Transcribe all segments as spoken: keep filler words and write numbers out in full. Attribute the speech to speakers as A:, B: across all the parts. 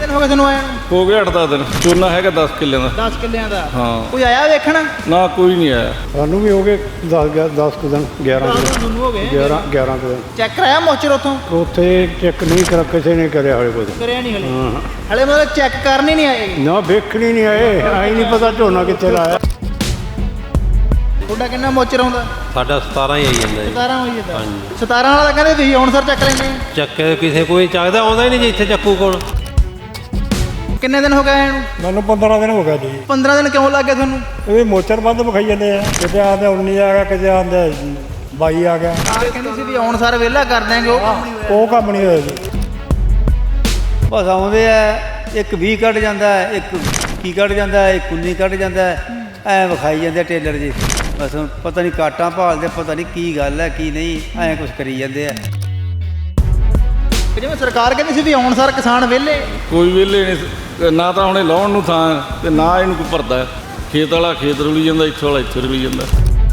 A: ਦਿਨ ਹੋ ਗਏ ਤੁਹਾਨੂੰ ਆਇਆ ਨੂੰ?
B: ਹੋ ਗਏ ਅੱਠ ਦਸ ਦਿਨ। ਝੋਨਾ ਹੈਗਾ ਦਸ ਕਿੱਲਿਆਂ ਦਾ।
A: ਦਸ ਕਿੱਲਿਆਂ ਦਾ?
B: ਹਾਂ।
A: ਕੋਈ ਆਇਆ ਵੇਖਣ?
B: ਨਾ ਕੋਈ ਨਹੀਂ ਆਇਆ।
C: ਸਾਨੂੰ ਵੀ ਹੋ ਗਏ ਦਸ ਦਸ ਕੁ ਦਿਨ, ਗਿਆਰਾਂ ਕੁ ਦਿਨ।
A: ਤੁਹਾਨੂੰ ਹੋ ਗਏ
C: ਗਿਆਰਾਂ ਗਿਆਰਾਂ ਕੁ ਦਿਨ।
A: ਚੈੱਕ ਕਰਾਇਆ ਮੋਚਰ ਉੱਥੋਂ?
C: ਉੱਥੇ ਚੈੱਕ ਨਹੀਂ ਕਰਾ, ਕਿਸੇ ਨੇ ਕਰਿਆ ਹਲੇ ਕੁਝ।
A: ਕਰਿਆ ਨਹੀਂ ਹਲੇ?
C: ਹਾਂ।
A: ਹਲੇ ਮਤਲਬ ਚੈੱਕ ਕਰਨ ਹੀ ਨਹੀਂ ਆਏ?
C: ਨਾ ਵੇਖਣ ਹੀ ਨਹੀਂ ਆਏ, ਆਈ ਨਹੀਂ ਪਤਾ ਝੋਨਾ ਕਿੱਥੇ ਲਾਇਆ।
A: ਤੁਹਾਡਾ ਕਿੰਨਾ ਮੋਚਰ ਆਉਂਦਾ?
D: ਸਾਡਾ ਸਤਾਰਾਂ ਹੀ ਆਈ ਜਾਂਦਾ ਜੀ।
A: ਸਤਾਰਾਂ ਹੋਈ ਜਾਂਦਾ?
D: ਹਾਂਜੀ।
A: ਸਤਾਰਾਂ ਵਾਲਾ ਤਾਂ ਕਹਿੰਦੇ ਤੁਸੀਂ ਹੁਣ ਸਰ ਚੱਕ ਲੈਂਦੇ?
D: ਚੱਕ ਕਿਸੇ ਕੋਈ ਚੱਕਦਾ ਆਉਂਦਾ ਹੀ ਨਹੀਂ ਜੀ ਇੱਥੇ ਚੱਕੂ ਕੋਲ।
A: ਕਿੰਨੇ ਦਿਨ ਹੋ ਗਏ ਇਹਨੂੰ?
C: ਮੈਨੂੰ ਪੰਦਰਾਂ ਦਿਨ ਹੋ ਗਿਆ ਜੀ।
A: ਪੰਦਰਾਂ ਦਿਨ ਕਿਉਂ ਲੱਗ ਗਏ ਤੁਹਾਨੂੰ?
C: ਇਹ ਮੋਚਰ ਬੰਦ ਵਿਖਾਈ ਜਾਂਦੇ ਆ, ਕਿਤੇ ਆਂਦੇ ਉੱਨੀ ਆ ਗਿਆ, ਕਿਤੇ ਆਂਦੇ ਬਾਈ ਆ ਗਿਆ।
A: ਕਹਿੰਦੇ ਸੀ ਵੀ ਹੁਣ ਸਰ ਵਿਹਲਾ ਕਰ ਦਿਆਂਗੇ, ਉਹ ਕੰਮ ਨਹੀਂ ਹੋਇਆ।
C: ਉਹ ਕੰਮ ਨਹੀਂ ਹੋਇਆ ਜੀ।
E: ਬਸ ਆਉਂਦੇ ਆ, ਇੱਕ ਵੀਹ ਕੱਢ ਜਾਂਦਾ, ਇੱਕ ਕੀ ਕੱਢ ਜਾਂਦਾ, ਇੱਕ ਉੱਨੀ ਕੱਢ ਜਾਂਦਾ, ਐਂ ਵਿਖਾਈ ਜਾਂਦੇ ਟੇਲਰ ਜੀ। ਬਸ ਪਤਾ ਨਹੀਂ ਕਾਟਾਂ ਭਾਲਦੇ, ਪਤਾ ਨਹੀਂ ਕੀ ਗੱਲ ਹੈ ਕੀ ਨਹੀਂ, ਐਂ ਕੁਛ ਕਰੀ ਜਾਂਦੇ ਆ।
A: ਜਿਵੇਂ ਸਰਕਾਰ ਕਹਿੰਦੀ ਸੀ ਵੀ ਹੁਣ ਸਰ ਕਿਸਾਨ ਵਿਹਲੇ।
B: ਕੋਈ ਵਿਹਲੇ ਨਹੀਂ, ਨਾ ਤਾਂ ਹੁਣੇ ਲਾਉਣ ਨੂੰ ਥਾਂ ਤੇ ਨਾ ਇਹਨੂੰ ਕੋਈ ਭਰਦਾ। ਖੇਤ ਵਾਲਾ ਖੇਤ ਰੁਲੀ ਜਾਂਦਾ, ਇੱਥੇ ਵਾਲਾ ਇੱਥੇ ਰੁਲੀ ਜਾਂਦਾ।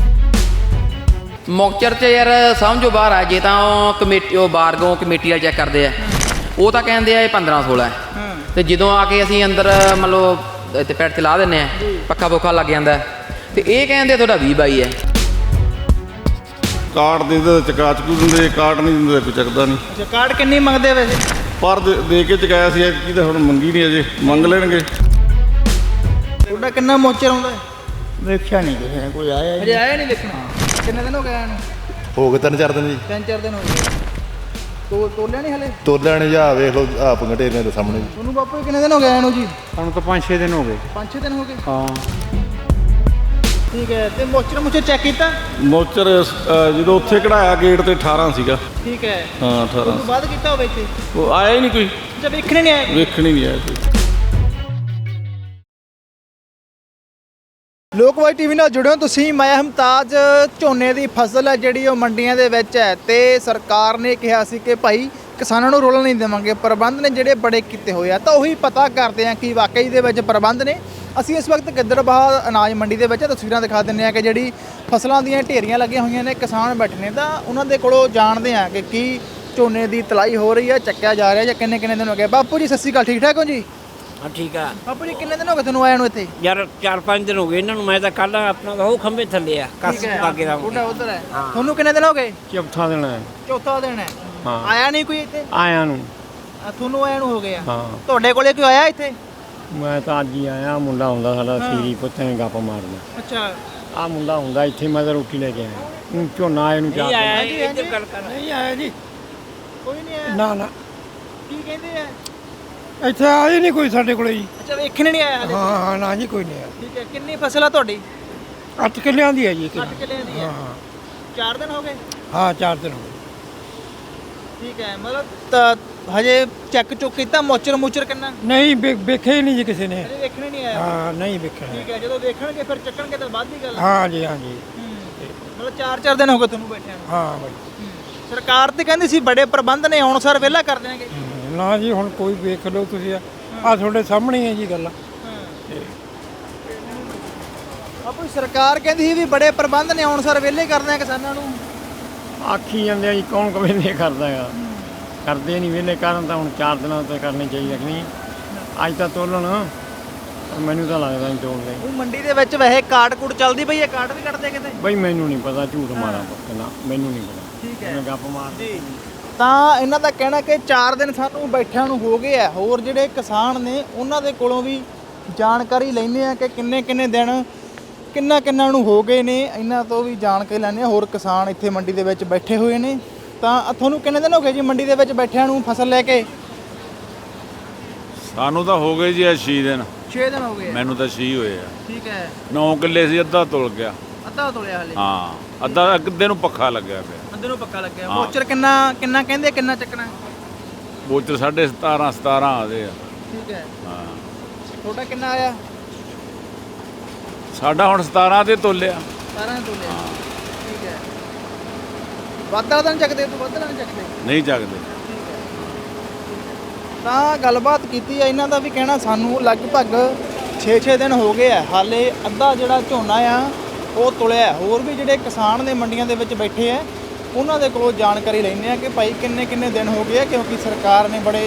F: ਮੌਕਚਰ 'ਚ ਯਾਰ ਸਮਝੋ ਬਾਹਰ ਆ। ਜੇ ਤਾਂ ਉਹ ਕਮੇਟੀ ਉਹ ਬਾਰਗੋਂ ਕਮੇਟੀ ਵਾਲੇ ਚੈੱਕ ਕਰਦੇ ਆ, ਉਹ ਤਾਂ ਕਹਿੰਦੇ ਆ ਇਹ ਪੰਦਰਾਂ ਸੋਲਾਂ ਹੈ। ਤੇ ਜਦੋਂ ਆ ਕੇ ਅਸੀਂ ਅੰਦਰ ਮੰਨ ਲਓ ਇੱਥੇ ਪੈਡ 'ਤੇ ਲਾ ਦਿੰਦੇ ਆ, ਪੱਖਾ ਪੁੱਖਾ ਲੱਗ ਜਾਂਦਾ, ਤੇ ਇਹ ਕਹਿੰਦੇ ਤੁਹਾਡਾ ਵੀਹ ਬਾਈ ਹੈ।
B: ਕਾਰਡ ਦੇ ਦਿੰਦੇ ਚਕਾ ਚਕੂ ਦਿੰਦੇ, ਕਾਰਡ ਨਹੀਂ ਦਿੰਦੇ ਕੋਈ ਚੱਕਦਾ ਨਹੀਂ।
A: ਅੱਛਾ, ਕਾਰਡ ਕਿੰਨੀ ਮੰਗਦੇ ਵੈਸੇ?
B: ਪਰ ਦੇ ਦੇ ਕੇ ਚਕਾਇਆ ਸੀ ਐਤਕੀ ਤਾਂ ਹੁਣ ਮੰਗੀ ਨਹੀਂ, ਅਜੇ ਮੰਗ ਲੈਣਗੇ।
A: ਤੁਹਾਡਾ ਕਿੰਨਾ ਮੋਚਰ ਆਉਂਦਾ?
C: ਵੇਖਿਆ ਨਹੀਂ ਕਿਸੇ ਨੇ, ਕੋਈ ਆਇਆ
A: ਅਜੇ ਆਇਆ ਨਹੀਂ ਵੇਖਣਾ? ਕਿੰਨੇ ਦਿਨ ਹੋ ਗਏ ਆਇਆ ਨੂੰ?
G: ਹੋ ਗਏ ਤਿੰਨ ਚਾਰ ਦਿਨ ਜੀ।
A: ਤਿੰਨ ਚਾਰ ਦਿਨ ਹੋ ਗਏ। ਤੋ ਤੋਲਿਆ ਨਹੀਂ ਹਲੇ?
G: ਤੋਲਿਆ ਨਹੀਂ ਜਾ, ਵੇਖ ਲਓ ਆਪ ਘਟੇਰਿਆਂ ਦੇ ਸਾਹਮਣੇ।
A: ਤੁਹਾਨੂੰ ਬਾਪੂ ਕਿੰਨੇ ਦਿਨ ਹੋ ਗਏ ਆਇਆ ਨੂੰ ਜੀ?
C: ਸਾਨੂੰ ਤਾਂ ਪੰਜ ਛੇ ਦਿਨ ਹੋ ਗਏ।
A: ਪੰਜ ਛੇ ਦਿਨ ਹੋ ਗਏ?
C: ਹਾਂ।
A: ਠੀਕ ਹੈ। ਤੇ ਮੋਚਰ ਮੁਚਰ ਚੈੱਕ ਕੀਤਾ?
B: ਮੋਚਰ ਅ, ਜਦੋਂ ਉੱਥੇ ਕਢਾਇਆ ਗੇਟ ਤੇ ਅਠਾਰਾਂ ਸੀਗਾ।
A: ਠੀਕ ਹੈ।
B: ਹਾਂ ਅਠਾਰਾਂ।
A: ਉਸ ਤੋਂ ਬਾਅਦ ਕੀਤਾ ਹੋਵੇ ਇੱਥੇ?
B: ਉਹ ਆਇਆ ਹੀ ਨਹੀਂ ਕੋਈ,
A: ਅੱਛਾ, ਵੇਖਣੇ ਨਹੀਂ ਆਇਆ?
B: ਵੇਖਣ ਹੀ ਨਹੀਂ ਆਇਆ ਕੋਈ।
A: ਲੋਕਵਾਈ ਟੀਵੀ ਨਾਲ ਜੁੜਿਓ ਤੁਸੀਂ। ਮੈਂ ਹਮਤਾਜ। ਝੋਨੇ ਦੀ ਫਸਲ ਹੈ ਜਿਹੜੀ ਉਹ ਮੰਡੀਆਂ ਦੇ ਵਿੱਚ ਹੈ, ਤੇ ਸਰਕਾਰ ਨੇ ਕਿਹਾ ਸੀ ਕਿ ਭਾਈ ਕਿਸਾਨਾਂ ਨੂੰ ਰੋਲਣ ਨਹੀਂ ਦੇਵਾਂਗੇ। ਪ੍ਰਬੰਧ ਨੇ ਜਿਹੜੇ ਬੜੇ ਕੀਤੇ ਹੋਏ ਆ, ਤਾਂ ਉਹੀ ਪਤਾ ਕਰਦੇ ਆ ਕਿ ਵਾਕਈ ਦੇ ਵਿੱਚ ਪ੍ਰਬੰਧ ਨੇ। ਅਸੀਂ ਇਸ ਵਕਤ ਗਿੱਦੜਬਾਹਾ ਅਨਾਜ ਮੰਡੀ ਦੇ ਵਿੱਚ ਤਸਵੀਰਾਂ ਦਿਖਾ ਦਿੰਦੇ ਆ ਕਿ ਜਿਹੜੀ ਫਸਲਾਂ ਦੀਆਂ ਢੇਰੀਆਂ ਲੱਗੀਆਂ ਹੋਈਆਂ ਨੇ, ਕਿਸਾਨ ਬੈਠੇ ਨੇ, ਤਾਂ ਉਹਨਾਂ ਦੇ ਕੋਲੋਂ ਜਾਣਦੇ ਆ ਕਿ ਕੀ ਝੋਨੇ ਦੀ ਤਲਾਈ ਹੋ ਰਹੀ ਹੈ, ਚੱਕਿਆ ਜਾ ਰਿਹਾ ਜਾਂ ਕਿੰਨੇ ਕਿੰਨੇ ਦਿਨ ਹੋ ਗਏ। ਬਾਪੂ ਜੀ ਸਤਿ ਸ਼੍ਰੀ ਅਕਾਲ, ਠੀਕ ਠਾਕ ਹੋ ਜੀ?
H: ਹਾਂ ਠੀਕ ਆ
A: ਬਾਪੂ ਜੀ ਕਿੰਨੇ ਦਿਨ ਹੋ ਗਏ ਤੁਹਾਨੂੰ ਆਇਆ ਨੂੰ ਇੱਥੇ?
H: ਯਾਰ ਚਾਰ ਪੰਜ ਦਿਨ ਹੋ ਗਏ ਇਹਨਾਂ ਨੂੰ। ਮੈਂ ਤਾਂ ਕੱਲ ਆਪਣਾ ਉਹ ਖੰਭੇ ਥੱਲੇ ਆ ਕਸ ਬਾਗੇ ਦਾ
A: ਤੁਹਾਡਾ ਉਧਰ ਹੈ। ਤੁਹਾਨੂੰ ਕਿੰਨੇ ਦਿਨ ਹੋ ਗਏ?
C: ਚੌਥਾ ਦਿਨ ਹੈ।
A: ਚੌਥਾ ਦਿਨ ਹੈ।
C: ਹਾਂ।
A: ਆਇਆ ਨਹੀਂ ਕੋਈ ਇੱਥੇ?
C: ਆਇਆ ਨੂੰ।
A: ਆ, ਤੁਹਾਨੂੰ ਆਇਆ ਨੂੰ ਹੋ ਗਿਆ?
C: ਹਾਂ।
A: ਤੁਹਾਡੇ ਕੋਲੇ ਕੋਈ ਆਇਆ ਇੱਥੇ?
C: ਮੈਂ ਤਾਂ ਅੱਜ ਹੀ ਆਇਆ। ਮੁੰਡਾ ਹੁੰਦਾ ਸਾਡਾ ਸੀਰੀ ਪੁੱਤਾਂ ਨੇ ਗੱਪ ਮਾਰਦਾ।
A: ਅੱਛਾ।
C: ਆ ਮੁੰਡਾ ਹੁੰਦਾ ਇੱਥੇ, ਮੈਂ ਤਾਂ ਰੋਟੀ ਲੈ ਕੇ ਆਇਆ। ਹੁਣ ਝੋਨਾ ਆਏ ਨੂੰ ਚਾਰ
H: ਨਹੀਂ
C: ਦਿਨ।
H: ਆਇਆ ਇੱਧਰ ਗੱਲ ਕਰ।
C: ਨਹੀਂ ਆਇਆ ਜੀ।
A: ਕੋਈ ਨਹੀਂ ਆਇਆ?
C: ਨਾ ਨਾ,
A: ਕੀ ਕਹਿੰਦੇ ਆ?
C: ਇੱਥੇ ਆਏ ਨਹੀਂ ਕੋਈ ਸਾਡੇ ਕੋਲੇ ਜੀ।
A: ਅੱਛਾ, ਵੇਖਣ ਨਹੀਂ ਆਇਆ ਹਲੇ?
C: ਹਾਂ ਹਾਂ, ਨਾ ਜੀ ਕੋਈ ਨਹੀਂ ਆਇਆ।
A: ਠੀਕ ਹੈ। ਕਿੰਨੀ ਫਸਲ ਆ ਤੁਹਾਡੀ?
C: ਅੱਠ ਕਿੱਲਿਆਂ ਦੀ ਹੈ ਜੀ।
A: ਅੱਠ ਕਿੱਲਿਆਂ ਦੀ ਹੈ।
C: ਹਾਂ
A: ਚਾਰ ਦਿਨ ਹੋ ਗਏ?
C: ਹਾਂ, ਚਾਰ ਦਿਨ ਹੋ ਗਏ।
A: ਠੀਕ ਹੈ। ਮਤਲਬ ਤਾਂ ਹਜੇ ਚੈੱਕ ਚੁੱਕ ਕੀਤਾ? ਮੋਚਰ ਮੂਚਰ ਕਿੰਨਾ?
C: ਨਹੀਂ ਵੇ- ਵੇਖਿਆ ਹੀ ਨਹੀਂ ਜੀ ਕਿਸੇ ਨੇ।
A: ਹਜੇ ਵੇਖਣ ਹੀ ਨਹੀਂ ਆਇਆ?
C: ਹਾਂ, ਨਹੀਂ ਵੇਖਿਆ।
A: ਠੀਕ ਹੈ। ਜਦੋਂ ਵੇਖਣਗੇ ਫਿਰ ਚੱਕਣਗੇ ਤਾਂ ਬਾਅਦ ਦੀ ਗੱਲ ਹੈ।
C: ਹਾਂ ਜੀ, ਹਾਂ ਜੀ।
A: ਹੂੰ। ਮਤਲਬ ਚਾਰ ਚਾਰ ਦਿਨ ਹੋ ਗਏ ਤੁਹਾਨੂੰ ਬੈਠਿਆਂ ਨੂੰ?
C: ਹਾਂ ਬਾਈ।
A: ਸਰਕਾਰ ਤੇ ਕਹਿੰਦੀ ਸੀ ਬੜੇ ਪ੍ਰਬੰਧ ਨੇ, ਹੁਣ ਸਰ ਵਿਹਲਾ ਕਰ ਦੇਣਗੇ।
C: ਹਮ, ਨਾ ਜੀ, ਹੁਣ ਕੋਈ ਵੇਖ ਲਓ ਤੁਸੀਂ। ਆ ਤੁਹਾਡੇ ਸਾਹਮਣੇ ਹੀ ਹੈ ਜੀ ਗੱਲ।
A: ਆਪਣੀ ਸਰਕਾਰ ਕਹਿੰਦੀ ਸੀ ਵੀ ਬੜੇ ਪ੍ਰਬੰਧ ਨੇ, ਹੁਣ ਸਰ ਵਿਹਲੇ ਕਰਦੇ ਆ ਕਿਸਾਨਾਂ ਨੂੰ।
C: ਆਖੀ ਜਾਂਦੇ ਆ ਜੀ, ਕੌਣ ਕਵੇਲੇ ਕਰਦਾ ਹੈਗਾ। ਕਰਦੇ ਨਹੀਂ ਵਿਹਲੇ ਕਰਨ, ਤਾਂ ਹੁਣ ਚਾਰ ਦਿਨਾਂ ਤੋਂ ਕਰਨੇ ਚਾਹੀਦੇ ਕਿ ਨਹੀਂ? ਅੱਜ ਤਾਂ ਤੋਲਣ, ਮੈਨੂੰ ਤਾਂ ਲੱਗਦਾ ਨਹੀਂ ਤੋਲਦੇ।
A: ਉਹ ਮੰਡੀ ਦੇ ਵਿੱਚ ਵੈਸੇ ਕਾਰਡ ਕੂਡ ਚੱਲਦੀ ਪਈ ਹੈ, ਕਾਰਡ ਵੀ ਕੱਢਦੇ ਕਿਤੇ?
C: ਬਈ ਮੈਨੂੰ ਨਹੀਂ ਪਤਾ, ਝੂਠ ਮਾਰਾਂ ਪੱਕਾ, ਮੈਨੂੰ ਨਹੀਂ ਪਤਾ।
A: ਠੀਕ ਹੈ।
C: ਮੈਂ ਗੱਪ ਮਾਰ
A: ਜੀ। ਤਾਂ ਇਹਨਾਂ ਦਾ ਕਹਿਣਾ ਕਿ ਚਾਰ ਦਿਨ ਸਾਨੂੰ ਬੈਠਿਆਂ ਨੂੰ ਹੋ ਗਏ ਆ। ਹੋਰ ਜਿਹੜੇ ਕਿਸਾਨ ਨੇ ਉਹਨਾਂ ਦੇ ਕੋਲੋਂ ਵੀ ਜਾਣਕਾਰੀ ਲੈਂਦੇ ਆ ਕਿ ਕਿੰਨੇ ਕਿੰਨੇ ਦਿਨ ਕਿੰਨਾ ਕਿੰਨਾ ਨੂੰ ਹੋ ਗਏ ਨੇ, ਇਹਨਾਂ ਤੋਂ ਵੀ ਜਾਣਕਾਰੀ ਲੈਂਦੇ ਆ। ਹੋਰ ਕਿਸਾਨ ਇੱਥੇ ਮੰਡੀ ਦੇ ਵਿੱਚ ਬੈਠੇ ਹੋਏ ਨੇ। ਤਾਂ ਤੁਹਾਨੂੰ ਕਿੰਨੇ ਦਿਨ ਹੋ ਗਏ ਜੀ ਮੰਡੀ ਦੇ ਵਿੱਚ ਬੈਠਿਆਂ ਨੂੰ ਫਸਲ ਲੈ ਕੇ?
I: ਸਾਨੂੰ ਤਾਂ ਹੋ ਗਏ ਜੀ ਇਹ ਛੇ ਦਿਨ।
A: ਛੇ ਦਿਨ ਹੋ ਗਏ?
I: ਮੈਨੂੰ ਤਾਂ ਛੇ ਹੋਏ ਆ।
A: ਠੀਕ ਹੈ।
I: ਨੌ ਕਿੱਲੇ ਸੀ, ਅੱਧਾ ਤੁਲ ਗਿਆ।
A: ਅੱਧਾ ਤੋਲਿਆ ਹਲੇ?
I: ਹਾਂ, ਅੱਧਾ ਅੱਧੇ ਨੂੰ ਪੱਖਾ ਲੱਗਿਆ ਪਿਆ।
A: ਅੱਧੇ ਨੂੰ ਪੱਕਾ ਲੱਗਿਆ।
I: ਹਾਂ।
A: ਮੋਚਰ ਕਿੰਨਾ ਕਿੰਨਾ ਕਹਿੰਦੇ, ਕਿੰਨਾ ਚੱਕਣਾ?
I: ਬੋਚਰ ਸਾਢੇ ਸਤਾਰਾਂ ਸਤਾਰਾਂ ਆਦੇ ਆ।
A: ਠੀਕ ਹੈ।
I: ਹਾਂ,
A: ਤੁਹਾਡਾ ਕਿੰਨਾ ਆਇਆ?
I: ਸਾਡਾ ਹੁਣ ਸਤਾਰਾਂ ਤੇ ਤੋਲਿਆ।
A: ਸਤਾਰਾਂ ਤੋਲਿਆ। ਠੀਕ ਹੈ। ਵੱਧ ਵਾਲਾ ਤਾਂ ਨਹੀਂ ਚੱਕਦੇ? ਤੂੰ ਵੱਧ ਵਾਲਾ ਨਹੀਂ ਚੱਕਦੇ?
I: ਨਹੀਂ ਚੱਕਦੇ।
A: ਤਾਂ ਗੱਲਬਾਤ ਕੀਤੀ ਹੈ। ਇਹਨਾਂ ਦਾ ਵੀ ਕਹਿਣਾ ਸਾਨੂੰ ਲਗਭਗ ਛੇ ਛੇ ਦਿਨ ਹੋ ਗਏ ਆ, ਹਾਲੇ ਅੱਧਾ ਜਿਹੜਾ ਝੋਨਾ ਆ ਉਹ ਤੁਲਿਆ। ਹੋਰ ਵੀ ਜਿਹੜੇ ਕਿਸਾਨ ਨੇ ਮੰਡੀਆਂ ਦੇ ਵਿੱਚ ਬੈਠੇ ਆ, ਉਹਨਾਂ ਦੇ ਕੋਲੋਂ ਜਾਣਕਾਰੀ ਲੈਂਦੇ ਆ ਕਿ ਭਾਈ ਕਿੰਨੇ ਕਿੰਨੇ ਦਿਨ ਹੋ ਗਏ ਆ, ਕਿਉਂਕਿ ਸਰਕਾਰ ਨੇ ਬੜੇ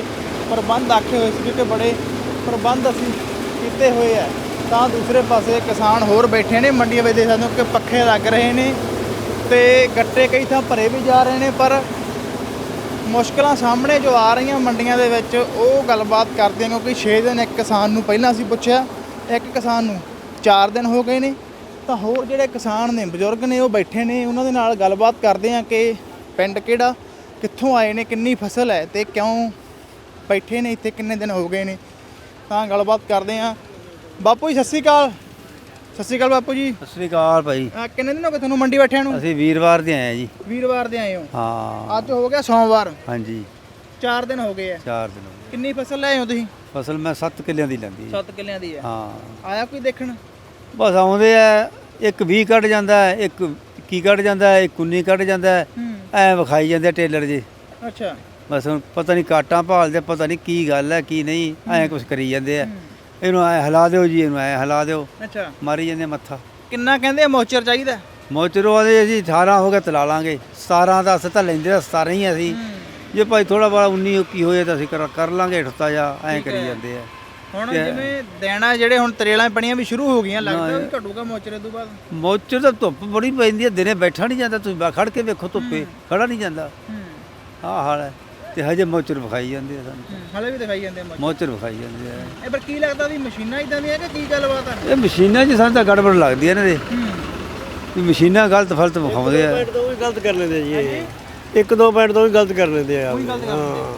A: ਪ੍ਰਬੰਧ ਆਖੇ ਹੋਏ ਸੀ ਕਿ ਬੜੇ ਪ੍ਰਬੰਧ ਅਸੀਂ ਕੀਤੇ ਹੋਏ ਆ, ਤਾਂ ਦੂਸਰੇ ਪਾਸੇ ਕਿਸਾਨ ਹੋਰ ਬੈਠੇ ਨੇ ਮੰਡੀਆਂ ਵਿੱਚ। ਦੇਖ ਸਕਦੇ ਹੋ ਕਿ ਪੱਖੇ ਲੱਗ ਰਹੇ ਨੇ ਤੇ ਗੱਟੇ ਕਈ ਥਾਂ ਭਰੇ ਵੀ ਜਾ ਰਹੇ ਨੇ, ਪਰ ਮੁਸ਼ਕਲਾਂ ਸਾਹਮਣੇ ਜੋ ਆ ਰਹੀਆਂ ਮੰਡੀਆਂ ਦੇ ਵਿੱਚ ਉਹ ਗੱਲਬਾਤ ਕਰਦੇ ਹਾਂ। ਕਿਉਂਕਿ ਛੇ ਦਿਨ ਇੱਕ ਕਿਸਾਨ ਨੂੰ ਪਹਿਲਾਂ ਅਸੀਂ ਪੁੱਛਿਆ, ਇੱਕ ਕਿਸਾਨ ਨੂੰ ਚਾਰ ਦਿਨ ਹੋ ਗਏ ਨੇ, ਤਾਂ ਹੋਰ ਜਿਹੜੇ ਕਿਸਾਨ ਨੇ ਬਜ਼ੁਰਗ ਨੇ ਉਹ ਬੈਠੇ ਨੇ, ਉਹਨਾਂ ਦੇ ਨਾਲ ਗੱਲਬਾਤ ਕਰਦੇ ਹਾਂ ਕਿ ਪਿੰਡ ਕਿਹੜਾ, ਕਿੱਥੋਂ ਆਏ ਨੇ, ਕਿੰਨੀ ਫਸਲ ਹੈ ਤੇ ਕਿਉਂ ਬੈਠੇ ਨੇ ਇੱਥੇ, ਕਿੰਨੇ ਦਿਨ ਹੋ ਗਏ ਨੇ, ਤਾਂ ਗੱਲਬਾਤ ਕਰਦੇ ਹਾਂ। ਬਾਪੂ ਜੀ ਸਤਿ ਸ਼੍ਰੀ ਅਕਾਲ। ਸਤਿ ਸ਼੍ਰੀ ਅਕਾਲ ਬਾਪੂ ਜੀ।
E: ਸਤਿ ਸ੍ਰੀ ਅਕਾਲ ਭਾਈ।
A: ਅਹ ਕਿੰਨੇ ਦਿਨ ਹੋ ਗਏ ਤੁਹਾਨੂੰ ਮੰਡੀ ਬੈਠਿਆਂ ਨੂੰ?
E: ਅਸੀਂ ਵੀਰਵਾਰ ਦੇ ਆਏ ਆ ਜੀ।
A: ਵੀਰਵਾਰ ਦੇ ਆਏ ਹੋ?
E: ਹਾਂ।
A: ਅੱਜ ਹੋ ਗਿਆ ਸੋਮਵਾਰ।
E: ਹਾਂਜੀ,
A: ਚਾਰ ਦਿਨ ਹੋ ਗਏ ਆ।
E: ਚਾਰ ਦਿਨ ਹੋ ਗਏ।
A: ਕਿੰਨੀ ਫਸਲ ਲੈ ਆਏ ਹੋ ਤੁਸੀਂ?
E: ਫਸਲ ਮੈਂ ਸੱਤ ਕਿੱਲਿਆਂ ਦੀ ਲੈਂਦੀ ਹੈ।
A: ਸੱਤ ਕਿੱਲਿਆਂ ਦੀ ਆ।
E: ਹਾਂ।
A: ਆਇਆ ਕੋਈ ਦੇਖਣ?
E: ਬਸ ਆਉਂਦੇ ਆ, ਇੱਕ ਵੀਹ ਕੱਢ ਜਾਂਦਾ ਹੈ, ਇੱਕ ਇੱਕੀ ਕੱਢ ਜਾਂਦਾ ਹੈ, ਇੱਕ ਉੱਨੀ ਕੱਢ ਜਾਂਦਾ ਹੈ, ਐ ਵਿਖਾਈ ਜਾਂਦੇ ਟੇਲਰ ਜੀ।
A: ਅੱਛਾ।
E: ਬਸ ਹੁਣ ਪਤਾ ਨਹੀਂ ਕਾਟਾਂ ਭਾਲਦੇ, ਪਤਾ ਨਹੀਂ ਕੀ ਗੱਲ ਹੈ ਕੀ ਨਹੀਂ, ਐਂ ਕੁਛ ਕਰੀ ਜਾਂਦੇ ਆ। ਇਹਨੂੰ ਐ ਹਿਲਾ ਦਿਓ ਜੀ, ਇਹਨੂੰ ਐ ਹਿਲਾ ਦਿਓ,
A: ਅੱਛਾ।
E: ਮਾਰੀ ਜਾਂਦੇ ਮੱਥਾ।
A: ਕਿੰਨਾ ਕਹਿੰਦੇ ਆ ਮੋਚਰ ਚਾਹੀਦਾ?
E: ਮੋਚਰੋ ਆਦੇ ਅਸੀਂ ਅਠਾਰਾਂ ਹੋ ਗਿਆ ਤਲਾ ਲਾਂਗੇ, ਸਤਾਰਾਂ ਦਾ ਅਸੀਂ ਤਾਂ ਲੈਂਦੇ ਤਾਂ ਸਤਾਰਾਂ ਹੀ ਅਸੀਂ, ਜੇ ਭਾਈ ਥੋੜਾ ਬੜਾ ਉੱਨੀ ਇੱਕੀ ਹੋਏ ਤਾਂ ਅਸੀਂ ਕਰ ਕਰ ਲਾਂਗੇ ਹਟਤਾ ਜਾ, ਐਂ ਕਰੀ ਜਾਂਦੇ ਆ।
A: ਹੁਣ ਜਿਵੇਂ ਦੇਣਾ ਜਿਹੜੇ ਹੁਣ ਤਰੇਲਾਂ ਪਣੀਆਂ ਵੀ ਸ਼ੁਰੂ ਹੋ ਗਈਆਂ, ਲੱਗਦਾ ਵੀ ਘਟੂਗਾ ਮੋਚਰੇ ਤੋਂ ਬਾਅਦ?
E: ਮੋਚਰ ਤਾਂ ਧੁੱਪ ਬੜੀ ਪੈਂਦੀ ਹੈ, ਦਿਨੇ ਬੈਠਾ ਨਹੀਂ ਜਾਂਦਾ, ਤੁਸੀਂ ਖੜ ਕੇ ਵੇਖੋ ਧੁੱਪੇ ਖੜਾ ਨਹੀਂ ਜਾਂਦਾ, ਆਹ ਹਾਲ ਹੈ। ਤੇ ਹਜੇ ਮੋਚਰ ਵਿਖਾਈ ਜਾਂਦੇ ਆ ਸਾਨੂੰ,
A: ਹਲੇ ਵੀ ਦਿਖਾਈ ਜਾਂਦੇ ਮੋਚਰ
E: ਮੋਚਰ ਵਿਖਾਈ ਜਾਂਦੇ ਆ।
A: ਇਹ ਪਰ ਕੀ ਲੱਗਦਾ ਵੀ ਮਸ਼ੀਨਾਂ ਇਦਾਂ ਦੀਆਂ ਕਿ ਕੀ ਗੱਲਬਾਤ ਆ?
E: ਇਹ ਮਸ਼ੀਨਾਂ 'ਚ ਸਾਨੂੰ ਤਾਂ ਗੜਬੜ ਲੱਗਦੀ ਹੈ ਇਹਨਾਂ ਦੇ, ਵੀ ਮਸ਼ੀਨਾਂ ਗਲਤ ਫਲਤ ਵਿਖਾਉਂਦੇ ਆ।
C: ਤੋਂ ਵੀ ਗਲਤ ਕਰ ਲੈਂਦੇ ਜੀ ਇਹ, ਇੱਕ ਦੋ ਪੁਆਇੰਟ ਤੋਂ ਵੀ ਗਲਤ ਕਰ ਲੈਂਦੇ ਆ। ਹਾਂ।